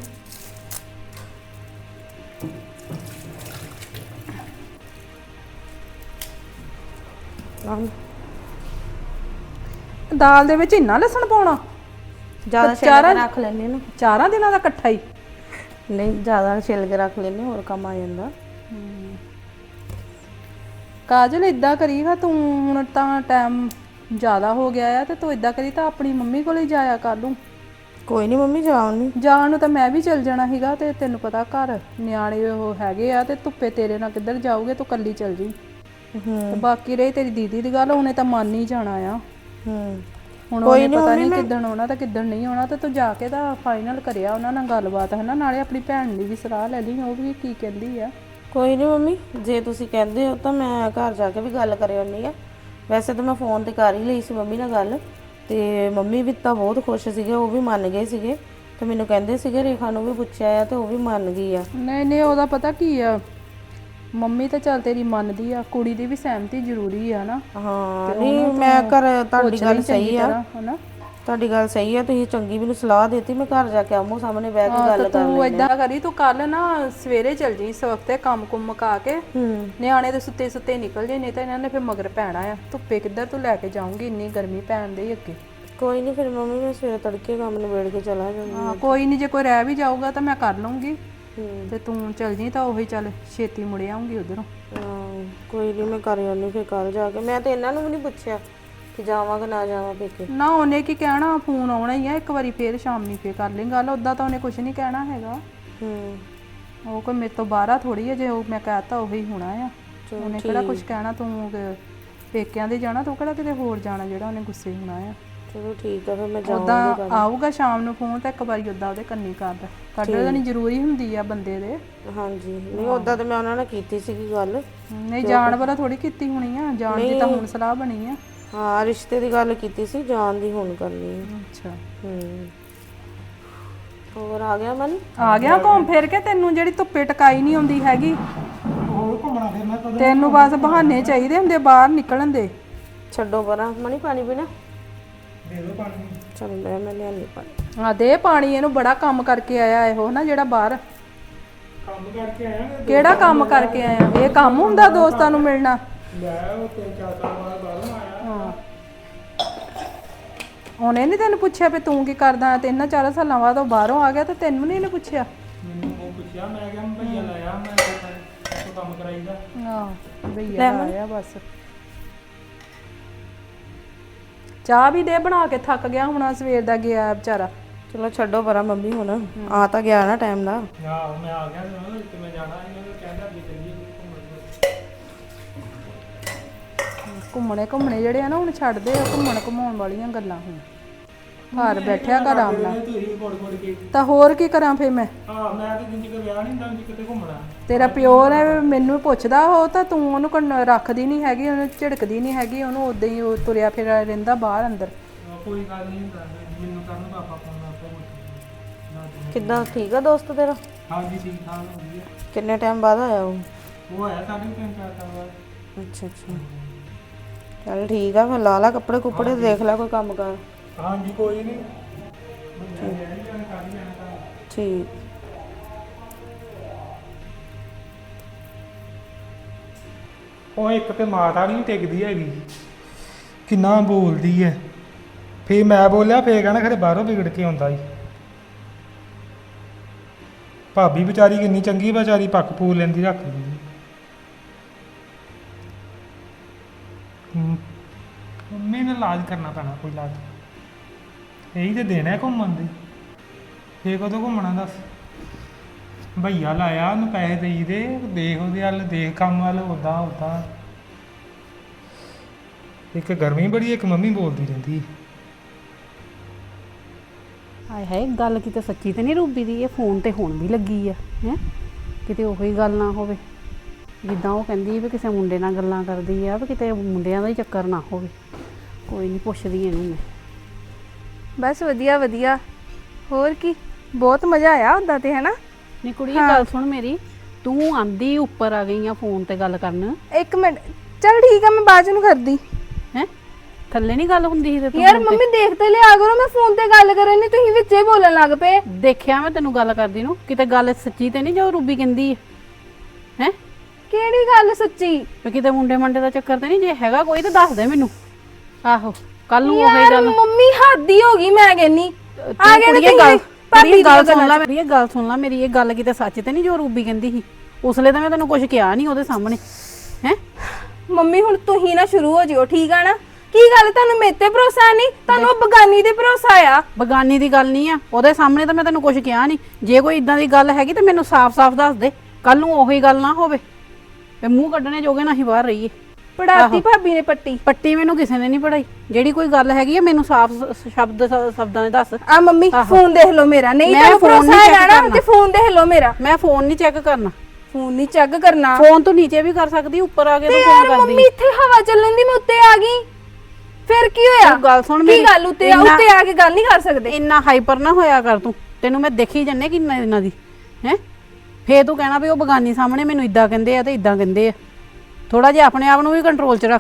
A: ਦਾਲ ਦੇ ਵਿੱਚ ਇੰਨਾ ਲਸਣ ਪਾਉਣਾ?
E: ਜ਼ਿਆਦਾ ਛਿੱਲ ਕੇ ਰੱਖ ਲੈਣੇ ਨਾ।
A: 4 ਦਿਨਾਂ ਦਾ ਇਕੱਠਾ ਹੀ?
E: ਨਹੀਂ ਜ਼ਿਆਦਾ ਛਿੱਲ ਕੇ ਰੱਖ ਲੈਣੇ, ਹੋਰ ਕੰਮ ਆ ਜਾਂਦਾ।
A: ਕਾਜਲ ਇਦਾਂ ਕਰੀ ਹਾਂ ਤੂੰ। ਹੁਣ ਤਾਂ ਟਾਈਮ ਜ਼ਿਆਦਾ ਹੋ ਗਿਆ ਆ ਤੇ ਤੂੰ ਇਦਾਂ ਕਰੀ ਤਾਂ ਆਪਣੀ ਮੰਮੀ ਕੋਲ ਹੀ ਜਾਇਆ ਕਰ ਲੂੰ।
E: ਕੋਈ ਨਹੀਂ ਮੰਮੀ ਜਾਣ
A: ਨੂੰ ਤਾਂ ਮੈਂ ਵੀ ਚਲ ਜਾਣਾ ਸੀਗਾ। ਤੇ ਤੈਨੂੰ ਪਤਾ ਘਰ ਨਿਆਣੇ ਉਹ ਹੈਗੇ ਆ ਤੇ ਧੁੱਪੇ ਤੇਰੇ ਨਾਲ ਕਿੱਧਰ ਜਾਊਗੇ? ਤੂੰ ਕੱਲੀ ਚਲ ਜੀ। ਤੇ ਬਾਕੀ ਰਹੀ ਤੇਰੀ ਦੀਦੀ ਦੀ ਗੱਲ, ਉਹਨੇ ਤਾਂ ਮੰਨ ਹੀ ਜਾਣਾ ਆ। ਹੁਣ ਉਹਨੇ ਪਤਾ ਨਹੀਂ ਕਿੱਦਣ ਆਉਣਾ ਤੇ ਕਿੱਦਣ ਨਹੀਂ ਆਉਣਾ। ਤੇ ਤੂੰ ਜਾ ਕੇ ਤਾਂ ਫਾਈਨਲ ਕਰਿਆ ਉਹਨਾਂ ਨਾਲ ਗੱਲਬਾਤ ਨਾਲੇ ਆਪਣੀ ਭੈਣ ਦੀ ਵੀ ਸਲਾਹ ਲੈ ਲਈ, ਉਹ ਵੀ ਕੀ ਕਹਿੰਦੀ ਆ।
E: ਕੋਈ ਨਹੀਂ ਮੰਮੀ, ਜੇ ਤੁਸੀਂ ਕਹਿੰਦੇ ਹੋ ਤਾਂ ਮੈਂ ਘਰ ਜਾ ਕੇ ਵੀ ਗੱਲ ਕਰ ਆਉਣੀ ਆ। ਵੈਸੇ ਤਾਂ ਮੈਂ ਫੋਨ ਤੇ ਕਰ ਹੀ ਲਈ ਸੀ ਮੰਮੀ ਨਾਲ ਗੱਲ, ਤੇ ਮੰਮੀ ਵੀ ਤਾਂ ਬਹੁਤ ਖੁਸ਼ ਸੀਗੇ, ਉਹ ਵੀ ਮੰਨ ਗਏ ਸੀਗੇ। ਤੇ ਮੈਨੂੰ ਕਹਿੰਦੇ ਸੀਗੇ ਰੇਖਾ ਨੂੰ ਵੀ ਪੁੱਛਿਆ ਆ ਤੇ ਉਹ ਵੀ ਮੰਨ ਗਈ ਆ।
A: ਨਹੀਂ ਨਹੀਂ, ਉਹਦਾ ਪਤਾ ਕੀ ਆ, ਮੰਮੀ ਤਾਂ ਚੱਲ ਤੇਰੀ ਮੰਨਦੀ ਆ, ਕੁੜੀ ਦੀ ਵੀ ਸਹਿਮਤੀ ਜ਼ਰੂਰੀ ਆ ਨਾ।
E: ਹਾਂ ਨਹੀਂ ਮੈਂ ਤੁਹਾਡੀ ਗੱਲ ਸਹੀ ਆ,
A: ਹਨਾ।
E: ਤੁਹਾਡੀ ਗੱਲ ਸਹੀ ਆ, ਤੁਸੀਂ ਚੰਗੀ ਮੈਨੂੰ ਸਲਾਹ ਦਿੱਤੀ, ਮੈਂ ਘਰ ਜਾ ਕੇ ਆਮੋ ਸਾਹਮਣੇ ਬਹਿ ਕੇ ਗੱਲ ਕਰ
A: ਤੂੰ ਏਦਾਂ ਕਰੀ, ਤੂੰ ਕੱਲ ਨਾ ਸਵੇਰੇ ਚੱਲ ਜੀ, ਇਸ ਵਕਤੇ ਕੰਮ ਕੁੰਮ ਮੁਕਾ ਕੇ ਨਿਆਣੇ ਦੇ ਸੁੱਤੇ ਸੁੱਤੇ ਨਿਕਲ ਜੇ, ਨਹੀਂ ਤਾਂ ਇਹਨਾਂ ਨੇ ਫਿਰ ਮਗਰ ਪੈਣਾ ਆ। ਧੁੱਪੇ ਕਿੱਧਰ ਤੂੰ ਲੈ ਕੇ ਜਾਊਂਗੀ, ਇੰਨੀ ਗਰਮੀ ਪੈਣ ਦੀ ਅੱਗੇ।
E: ਕੋਈ ਨਹੀਂ ਫਿਰ ਮੰਮੀ ਮੈਂ ਸਵੇਰੇ ਤੜਕੇ ਕੰਮ ਨਿਬੇੜ ਕੇ ਚਲਾ ਜਾਊਂਗੀ।
A: ਹਾਂ ਕੋਈ ਨਹੀਂ, ਜੇ ਕੋਈ ਰਹਿ ਵੀ ਜਾਊਗਾ ਤਾਂ ਮੈਂ ਕਰ ਲੂੰਗੀ, ਤੇ ਤੂੰ ਚੱਲ ਜੀ ਤਾਂ ਉਹੀ ਚੱਲ ਛੇਤੀ ਮੁੜ ਆਉਂਗੀ ਉਧਰੋਂ।
E: ਕੋਈ ਨਹੀਂ ਮੈਂ ਕਰ ਆਉਂਦੀ ਫਿਰ ਕੱਲ ਜਾ ਕੇ। ਮੈਂ ਤੇ ਇਹਨਾਂ ਨੂੰ ਵੀ ਨਹੀਂ ਪੁੱਛਿਆ ਕਿ ਜਾਵਾਂ ਕਿ ਨਾ ਜਾਵਾਂ ਪੇਕੇ।
A: ਨਾ ਉਹਨੇ ਕੀ ਕਹਿਣਾ, ਫੋਨ ਆਉਣਾ ਹੀ ਆ ਇੱਕ ਵਾਰੀ, ਫੇਰ ਸ਼ਾਮੀ ਫੇਰ ਕਰ ਲਈ ਗੱਲ। ਉਦਾਂ ਤਾਂ ਉਹਨੇ ਕੁਝ ਨਹੀਂ ਕਹਿਣਾ ਹੈਗਾ। ਉਹ ਕੋਈ ਮੇਰੇ ਤੋਂ ਬਾਹਰ ਥੋੜੀ ਹੈ, ਜੇ ਉਹ ਮੈਂ ਕਹਤਾ ਉਹੀ ਹੋਣਾ ਆ। ਉਹਨੇ ਕਿਹੜਾ ਕੁਝ ਕਹਿਣਾ, ਤੂੰ ਪੇਕਿਆਂ ਦੇ ਜਾਣਾ, ਤੂੰ ਕਿਹੜਾ ਕਿਤੇ ਹੋਰ ਜਾਣਾ ਜਿਹੜਾ ਉਹਨੇ ਗੁੱਸੇ ਹੋਣਾ ਆ।
E: ਚਲੋ ਠੀਕ ਆ ਫਿਰ ਮੈਂ
A: ਉਦਾਂ ਆਊਗਾ ਸ਼ਾਮ ਨੂੰ ਫੋਨ, ਤਾਂ ਇੱਕ ਵਾਰੀ ਉਦਾਂ ਉਹਦੇ ਕੰਨੀ ਕਰਦਾ ਕੱਢ ਦੇਣੀ ਜ਼ਰੂਰੀ ਹੁੰਦੀ ਆ ਬੰਦੇ ਦੇ।
E: ਹਾਂਜੀ ਨਹੀਂ ਉਦਾਂ ਤੇ ਮੈਂ ਉਹਨਾਂ ਨਾਲ ਕੀਤੀ ਸੀਗੀ ਗੱਲ।
A: ਨਹੀਂ ਜਾਣ ਵਾਲਾ ਥੋੜੀ ਕੀਤੀ ਹੋਣੀ ਆ, ਜਾਣ ਦੀ ਤਾਂ ਹੁਣ ਸਲਾਹ ਬਣੀ ਆ।
E: ਹਾਂ ਰਿਸ਼ਤੇ ਦੀ ਗੱਲ ਕੀਤੀ ਸੀ, ਜਾਣ ਦੀ ਹੁਣ ਕਰਨੀ ਹੈ।
A: ਅੱਛਾ
E: ਹੋਰ ਆ ਗਿਆ ਮਨ?
A: ਆ ਗਿਆ ਘੁੰਮ ਫਿਰ ਕੇ, ਤੈਨੂੰ ਜਿਹੜੀ ਧੁੱਪੇ ਟਕਾਈ ਨਹੀਂ ਆਉਂਦੀ ਹੈਗੀ।
G: ਹੋਰ ਘੁੰਮਣਾ ਫਿਰਨਾ ਕਦੋਂ?
A: ਤੈਨੂੰ ਬਸ ਬਹਾਨੇ ਚਾਹੀਦੇ ਹੁੰਦੇ ਬਾਹਰ ਨਿਕਲਣ ਦੇ।
E: ਛੱਡੋ ਪਰਾਂ, ਮਨੀ ਪਾਣੀ ਪੀਣਾ?
G: ਦੇ ਦੋ ਪਾਣੀ।
E: ਚਲ ਮੈਂ ਲਿਆਨੀ ਪਾਣੀ।
A: ਆ ਦੇ ਪਾਣੀ, ਇਹਨੂੰ ਬੜਾ ਕੰਮ ਕਰਕੇ ਆਇਆ ਇਹੋ ਨਾ ਜਿਹੜਾ ਬਾਹਰ।
G: ਕੰਮ ਕਰਕੇ ਆਇਆ ਮੈਂ।
A: ਕਿਹੜਾ ਕੰਮ ਕਰਕੇ ਆਇਆ? ਇਹ ਕੰਮ ਹੁੰਦਾ ਦੋਸਤਾਂ ਨੂੰ ਮਿਲਣਾ?
G: ਲੈ ਉਹ 3-4 ਸਾਲ ਬਾਅਦ ਬਾਹਰੋਂ ਆਇਆ।
A: ਹਾਂ ਉਹਨੇ ਨਹੀਂ ਤੈਨੂੰ ਪੁੱਛਿਆ ਵੀ ਤੂੰ ਕੀ ਕਰਦਾ? 3-4 ਸਾਲਾਂ ਬਾਅਦ ਉਹ ਬਾਹਰੋਂ ਆ ਗਿਆ ਤੇ ਤੈਨੂੰ ਨਹੀਂ ਇਹਨੇ ਪੁੱਛਿਆ?
G: ਮੈਨੂੰ ਉਹ ਪੁੱਛਿਆ, ਮੈਂ ਕਿਹਾ ਮੈਂ ਭਈਆ ਲਾਇਆ, ਮੈਂ ਉਹ ਕੰਮ ਕਰਾਈਦਾ।
A: ਆਹ ਭਈਆ ਆਇਆ ਬਸ। ਚਾਹ ਵੀ ਦੇ ਬਣਾ ਕੇ, ਥੱਕ ਗਿਆ ਹੋਣਾ ਸਵੇਰ ਦਾ ਗਿਆ ਵਿਚਾਰਾ।
E: ਚਲੋ ਛੱਡੋ ਪਰਾਂ ਮੰਮੀ, ਹੁਣ ਆ ਤਾਂ ਗਿਆ ਨਾ ਟਾਈਮ ਦਾ।
G: ਆਹੋ ਮੈਂ ਆ ਗਿਆ ਤੇ ਮੈਂ ਜਾਣਾ ਇਹਨਾਂ ਨੂੰ ਕਹਿੰਦਾ ਵੀ ਚੱਲੀਏ
A: ਘੁੰਮਣੇ ਜਿਹੜੇ ਆ ਨਾ ਹੁਣ ਛੱਡ ਦੇ, ਘੁੰਮਣ ਘੁਮਾਉਣ ਵਾਲੀਆਂ ਗੱਲਾਂ ਹੁਣ। ਘਰ ਬੈਠਿਆ ਕਰ ਆਰਾਮ ਨਾਲ।
G: ਤੁਸੀਂ ਕੋੜ ਕੇ
A: ਤਾਂ ਹੋਰ ਕੀ ਕਰਾਂ ਫੇ ਮੈਂ?
G: ਹਾਂ ਮੈਂ ਤੇ ਜਿੰਦੀ ਕੋ ਵਿਆਹ ਨਹੀਂ ਹੁੰਦਾ ਕਿਤੇ ਘੁੰਮਣਾ।
A: ਤੇਰਾ ਪਿਓ ਨੇ ਮੈਨੂੰ ਪੁੱਛਦਾ ਉਹ ਤਾਂ ਤੂੰ ਉਹਨੂੰ ਰੱਖਦੀ ਨਹੀਂ ਹੈਗੀ, ਉਹਨੂੰ ਝਿੜਕਦੀ ਨਹੀਂ ਹੈਗੀ, ਉਹਨੂੰ ਉਦਾਂ ਹੀ ਉਹ ਤੁਰਿਆ ਫਿਰਿਆ ਰਹਿੰਦਾ ਬਾਹਰ ਅੰਦਰ।
G: ਕੋਈ ਗੱਲ ਨਹੀਂ ਕਰਨੀ, ਮੈਨੂੰ ਕਰਨ ਪਾਪਾ ਫੋਨ ਆਪੇ।
E: ਕਿੱਦਾਂ ਠੀਕ ਆ ਦੋਸਤ ਤੇਰਾ?
G: ਹਾਂਜੀ ਠੀਕ ਠਾਕ ਹੋ ਗਈ ਹੈ।
E: ਕਿੰਨੇ ਟਾਈਮ ਬਾਅਦ ਆਇਆ ਉਹ?
G: ਉਹ ਆਇਆ 3.5-4 ਸਾਲ ਬਾਅਦ।
E: ਅੱਛਾ ਚੱਲ ਠੀਕ ਆ ਫਿਰ, ਲਾ ਲਾ ਕੱਪੜੇ ਕੁੱਪੜੇ, ਦੇਖ ਲੈ ਕੋਈ ਕੰਮ ਕਰ।
G: ਹਾਂਜੀ ਕੋਈ ਨਹੀਂ।
E: ਠੀਕ
G: ਉਹ ਇੱਕ ਤੇ ਮਾਤਾ ਨਹੀਂ ਟਿਕਦੀ ਹੈਗੀ, ਕਿੰਨਾ ਬੋਲਦੀ ਹੈ। ਫੇਰ ਮੈਂ ਬੋਲਿਆ, ਫੇਰ ਕਹਿਣਾ ਖਰੇ ਬਾਹਰੋਂ ਵਿਗੜ ਕੇ ਆਉਂਦਾ ਈ। ਭਾਬੀ ਵਿਚਾਰੀ ਕਿੰਨੀ ਚੰਗੀ, ਵਿਚਾਰੀ ਪੱਕ ਪੂਰ ਲੈਂਦੀ, ਰੱਖ ਲੈਂਦੀ। ਮੰਮੀ ਨੇ ਇਲਾਜ ਕਰਨਾ ਪੈਣਾ, ਕੋਈ ਇਲਾਜ। ਇਹੀ ਤੇ ਦੇਣਾ ਹੈ ਘੁੰਮਣ ਦੇ। ਫੇਰ ਕਦੋਂ ਘੁੰਮਣਾ ਦੱਸ? ਭਈਆ ਲਾਇਆ, ਉਹਨੂੰ ਪੈਸੇ ਦੇਈ ਦੇ, ਦੇਖ ਉਹਦੇ ਵੱਲ, ਦੇਖ ਕੰਮ ਵੱਲ, ਉੱਦਾਂ ਉੱਦਾਂ। ਇੱਕ ਗਰਮੀ ਬੜੀ, ਇੱਕ ਮੰਮੀ ਬੋਲਦੀ ਰਹਿੰਦੀ।
H: ਹਾਏ ਹਾਏ, ਗੱਲ ਕਿਤੇ ਸੱਚੀ ਤੇ ਨਹੀਂ ਰੂਬੀ ਦੀ? ਇਹ ਫੋਨ ਤੇ ਹੁਣ ਵੀ ਲੱਗੀ ਆ ਹੈ, ਕਿਤੇ ਉਹੀ ਗੱਲ ਨਾ ਹੋਵੇ ਜਿੱਦਾਂ ਉਹ ਕਹਿੰਦੀ ਵੀ ਕਿਸੇ ਮੁੰਡੇ ਨਾਲ ਗੱਲਾਂ ਕਰਦੀ ਆ, ਵੀ ਕਿਤੇ ਮੁੰਡਿਆਂ ਦਾ ਹੀ ਚੱਕਰ ਨਾ ਹੋਵੇ। ਕੋਈ ਨਹੀਂ, ਪੁੱਛਦੀ ਇਹਨੂੰ ਮੈਂ।
F: ਬਸ ਵਧੀਆ ਵਧੀਆ। ਹੋਰ ਕੀ, ਬਹੁਤ ਮਜ਼ਾ ਆਇਆ ਉਦਾਂ ਤੇ, ਹੈਨਾ?
H: ਨਹੀਂ ਕੁੜੀ, ਗੱਲ ਸੁਣ ਮੇਰੀ, ਤੂੰ ਆਂਦੀ ਉੱਪਰ ਆ ਗਈ ਆ ਫੋਨ ਤੇ ਗੱਲ ਕਰਨ।
F: ਇੱਕ ਮਿੰਟ, ਚੱਲ ਠੀਕ ਆ, ਮੈਂ ਬਾਅਦ ਨੂੰ ਕਰਦੀ।
H: ਹੈ ਥੱਲੇ ਨਹੀਂ ਗੱਲ ਹੁੰਦੀ ਸੀ ਤੇ ਤੂੰ
F: ਯਾਰ ਮੰਮੀ ਦੇਖ ਤੇ ਲਿਆ ਕਰੋ, ਮੈਂ ਫੋਨ ਤੇ ਗੱਲ ਕਰਨ ਨਹੀਂ, ਤੁਸੀਂ ਵਿੱਚੇ ਬੋਲਣ ਲੱਗ ਪਏ।
H: ਦੇਖਿਆ ਮੈਂ ਤੈਨੂੰ ਗੱਲ ਕਰਦੀ ਨੂੰ, ਕਿਤੇ ਗੱਲ ਸੱਚੀ ਤੇ ਨਹੀਂ ਜੋ ਰੂਬੀ ਕਹਿੰਦੀ ਹੈ?
F: ਕਿਹੜੀ ਗੱਲ ਸੱਚੀ?
H: ਵੀ ਕਿਤੇ ਮੁੰਡੇ ਮੰਡੇ ਦਾ ਚੱਕਰ ਤੇ ਨਹੀਂ? ਜੇ ਹੈਗਾ ਕੋਈ ਤਾਂ ਦੱਸ ਦੇ ਮੈਨੂੰ। ਆਹੋ ਕੱਲ ਨੂੰ ਉਹੀ
F: ਯਾਰ
H: ਗੱਲ।
F: ਮੰਮੀ ਹੱਦੀ ਹੋ ਗਈ, ਮੈਂ ਕਹਿੰਨੀ ਆ ਗਏ ਨੇ
H: ਗੱਲ।
F: ਭਾਬੀ
H: ਗੱਲ ਸੁਣ ਲੈ ਮੇਰੀ, ਇਹ ਗੱਲ ਸੁਣ ਲੈ ਮੇਰੀ, ਇਹ ਗੱਲ ਕਿਤੇ ਸੱਚ ਤੇ ਨਹੀਂ ਜੋ ਰੂਬੀ ਕਹਿੰਦੀ ਸੀ? ਉਸਲੇ ਤਾਂ ਮੈਂ ਤੈਨੂੰ ਕੁਝ ਕਿਹਾ ਨਹੀਂ ਉਹਦੇ ਸਾਹਮਣੇ। ਹੈ
F: ਮੰਮੀ ਹੁਣ ਤੁਸੀਂ ਨਾ ਸ਼ੁਰੂ ਹੋ ਜਿਓ, ਠੀਕ ਆ ਨਾ? ਕੀ ਗੱਲ, ਤੁਹਾਨੂੰ ਮੇਰੇ ਤੇ ਭਰੋਸਾ ਨਹੀਂ? ਤੁਹਾਨੂੰ ਉਹ ਬਗਾਨੀ ਤੇ ਭਰੋਸਾ ਆ?
H: ਬਗਾਨੀ ਦੀ ਗੱਲ ਨਹੀਂ ਆ, ਉਹਦੇ ਸਾਹਮਣੇ ਤਾਂ ਮੈਂ ਤੈਨੂੰ ਕੁਝ ਕਿਹਾ ਨਹੀਂ। ਜੇ ਕੋਈ ਇਦਾਂ ਦੀ ਗੱਲ ਹੈਗੀ ਤਾਂ ਮੈਨੂੰ ਸਾਫ਼-ਸਾਫ਼ ਦੱਸ ਦੇ, ਕੱਲ ਨੂੰ ਉਹੀ ਗੱਲ ਨਾ ਹੋਵੇ ਤੇ ਮੂੰਹ ਕੱਢਣੇ ਜੋਗੇ ਨਾ ਹੀ ਬਾਹਰ ਰਹੀਏ।
F: ਪੜਾਤੀ ਭਾਬੀ ਨੇ ਪੱਟੀ?
H: ਪੱਟੀ ਮੈਨੂੰ ਕਿਸੇ ਨੇ ਨਹੀਂ ਪੜਾਈ। ਜਿਹੜੀ ਕੋਈ ਗੱਲ ਹੈਗੀ ਆ ਮੈਨੂੰ ਸਾਫ਼ ਸ਼ਬਦਾਂ ਦੇ ਦੱਸ।
F: ਆ ਮੰਮੀ ਫੋਨ ਦੇਖ ਲਓ ਮੇਰਾ, ਨਹੀਂ ਤੁਹਾਨੂੰ ਭਰੋਸਾ ਹੈਗਾ ਨਾ ਤੇ ਫੋਨ ਦੇਖ ਲਓ ਮੇਰਾ।
H: ਮੈਂ ਫੋਨ ਨਹੀਂ ਚੈੱਕ ਕਰਨਾ।
F: ਫੋਨ ਨਹੀਂ ਚੈੱਕ ਕਰਨਾ?
H: ਫੋਨ ਤੂੰ ਨੀਚੇ ਵੀ ਕਰ ਸਕਦੀ, ਉੱਪਰ ਆ ਕੇ ਤੂੰ ਫੋਨ ਕਰਦੀ।
F: ਮੰਮੀ ਇੱਥੇ ਹਵਾ ਚੱਲਣ ਦੀ, ਮੈਂ ਉੱਤੇ ਆ ਗਈ, ਫਿਰ ਕੀ ਹੋਇਆ?
H: ਗੱਲ ਸੁਣ
F: ਕੀ ਗੱਲ, ਉੱਤੇ ਆ ਕੇ ਗੱਲ ਨਹੀਂ ਕਰ ਸਕਦੇ?
H: ਇੰਨਾ ਹਾਈਪਰ ਨਾ ਹੋਇਆ ਕਰ ਤੂੰ। ਤੈਨੂੰ ਮੈਂ ਦੇਖੀ ਜੰਨੇ ਕਿ ਇਹਨਾਂ ਦੀ ਹੈ। ਫੇਰ ਤੂੰ ਕਹਿਣਾ ਵੀ ਉਹ ਬਗਾਨੀ ਸਾਹਮਣੇ ਮੈਨੂੰ ਇਦਾਂ ਕਹਿੰਦੇ ਆ ਤੇ ਇਦਾਂ ਕਹਿੰਦੇ ਆ। ਥੋੜਾ ਜਿਹਾ ਆਪਣੇ ਆਪ ਨੂੰ ਵੀ ਕੰਟਰੋਲ 'ਚ ਰੱਖ।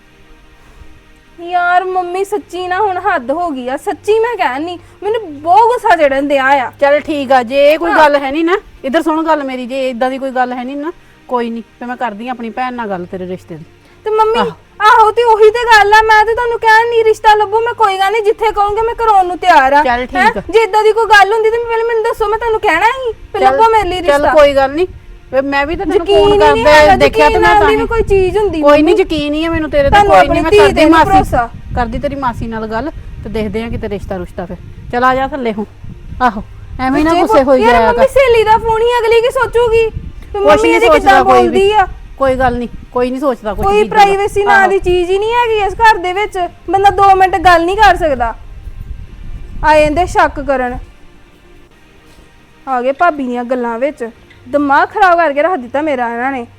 F: ਯਾਰ ਮੰਮੀ ਸੱਚੀ ਨਾ ਹੁਣ ਹੱਦ ਹੋ ਗਈ ਆ, ਸੱਚੀ ਮੈਂ ਕਹਿਣੀ ਮੈਨੂੰ ਬਹੁਤ ਗੁੱਸਾ ਚੜਨ ਦਿਆ ਆ।
H: ਚੱਲ ਠੀਕ ਆ, ਜੇ ਇਹ ਕੋਈ ਗੱਲ ਹੈ ਨਹੀਂ ਨਾ, ਇੱਧਰ ਸੁਣ ਗੱਲ ਮੇਰੀ, ਜੇ ਇਦਾਂ ਦੀ ਕੋਈ ਗੱਲ ਹੈ ਨਹੀਂ ਨਾ, ਕੋਈ ਨਹੀਂ, ਫੇ ਮੈਂ ਕਰਦੀ ਆ ਆਪਣੀ ਭੈਣ ਨਾਲ ਗੱਲ ਤੇਰੇ ਰਿਸ਼ਤੇ ਦੀ।
F: ਤੇ ਮੰਮੀ ਆਹੋ ਤੇ ਉਹੀ ਤੇ ਗੱਲ ਆ, ਮੈਂ ਤੇ ਤੁਹਾਨੂੰ ਕਹਿਣ ਨਹੀਂ ਰਿਸ਼ਤਾ ਲੱਭੋ, ਮੈਂ ਕੋਈ ਗੱਲ ਨਹੀਂ ਜਿੱਥੇ ਕਹੋਗੇ ਮੈਂ ਕਰਾਉਣ ਨੂੰ ਤਿਆਰ ਆ।
H: ਚੱਲ ਠੀਕ ਆ।
F: ਜੇ ਇਦਾਂ ਦੀ ਕੋਈ ਗੱਲ ਹੁੰਦੀ ਤੇ ਪਹਿਲਾਂ ਮੈਨੂੰ ਦੱਸੋ, ਮੈਂ ਤੁਹਾਨੂੰ ਕਹਿਣਾ ਹੀ ਤੇ ਲੱਭੋ ਮੇਰੇ ਲਈ
H: ਚੱਲ
F: ਰਿਸ਼ਤਾ।
H: ਕੋਈ ਗੱਲ ਨਹੀਂ, ਮੈਂ ਵੀ ਤਾਂ ਤੈਨੂੰ
F: ਯਕੀਨ
H: ਫੋਨ
F: ਹੀ ਨਹੀਂ
H: ਕਰਦਾ
F: ਹੈਗਾ,
H: ਦੇਖਿਆ ਤੇ
F: ਯਕੀਨ
H: ਮੈਂ
F: ਨਾਲ ਵੀ ਕੋਈ ਚੀਜ਼ ਹੁੰਦੀ।
H: ਕੋਈ ਨਹੀਂ, ਯਕੀਨ ਹੀ ਆ ਮੈਨੂੰ ਤੇਰੇ ਤੇ,
F: ਤੁਹਾਨੂੰ
H: ਕੋਈ ਨਹੀਂ, ਮੈਂ
F: ਆਪਣੀ ਧੀ
H: ਕਰਦੀ
F: ਤੇ
H: ਮਾਸੀ
F: ਭਰੋਸਾ।
H: ਕਰਦੀ ਤੇਰੀ ਮਾਸੀ ਨਾਲ ਗੱਲ ਤੇ ਦੇਖਦੇ ਆ ਕਿਤੇ ਰਿਸ਼ਤਾ ਰੁਸ਼ਤਾ। ਫਿਰ ਚਲ ਆ ਜਾ ਥੱਲੇ ਹੁਣ। ਆਹੋ ਐਵੇਂ ਨਾ ਗੁੱਸੇ ਹੋਈ
F: ਯਾਰ
H: ਜਾਇਆ
F: ਮੰਮੀ
H: ਕਰ।
F: ਸਹੇਲੀ ਦਾ ਫੋਨ ਹੀ ਅਗਲੀ ਕੀ ਸੋਚੂਗੀ ਤੇ
H: ਕੁਛ
F: ਮੰਮੀ
H: ਨਹੀਂ
F: ਇਹਦੀ
H: ਸੋਚਦਾ
F: ਕਿੱਦਾਂ
H: ਕੋਈ
F: ਬੋਲਦੀ
H: ਵੀ,
F: ਆ।
H: ਕੋਈ ਗੱਲ ਨਹੀਂ, ਕੋਈ ਨਹੀਂ ਸੋਚਦਾ ਕੁਝ।
F: ਕੋਈ ਪ੍ਰਾਈਵੇਸੀ ਨਾਂ ਦੀ ਚੀਜ਼ ਹੀ ਨਹੀਂ ਹੈਗੀ ਇਸ ਘਰ ਦੇ ਵਿੱਚ, ਬੰਦਾ 2 ਮਿੰਟ ਗੱਲ ਨਹੀਂ ਕਰ ਸਕਦਾ। ਆ ਜਾਂਦੇ ਸ਼ੱਕ ਕਰਨ, ਆ ਗਏ ਭਾਬੀ ਦੀਆਂ ਗੱਲਾਂ ਵਿੱਚ, ਦਿਮਾਗ ਖਰਾਬ ਕਰਕੇ ਰੱਖ ਦਿੱਤਾ ਮੇਰਾ ਇਹਨਾਂ ਨੇ।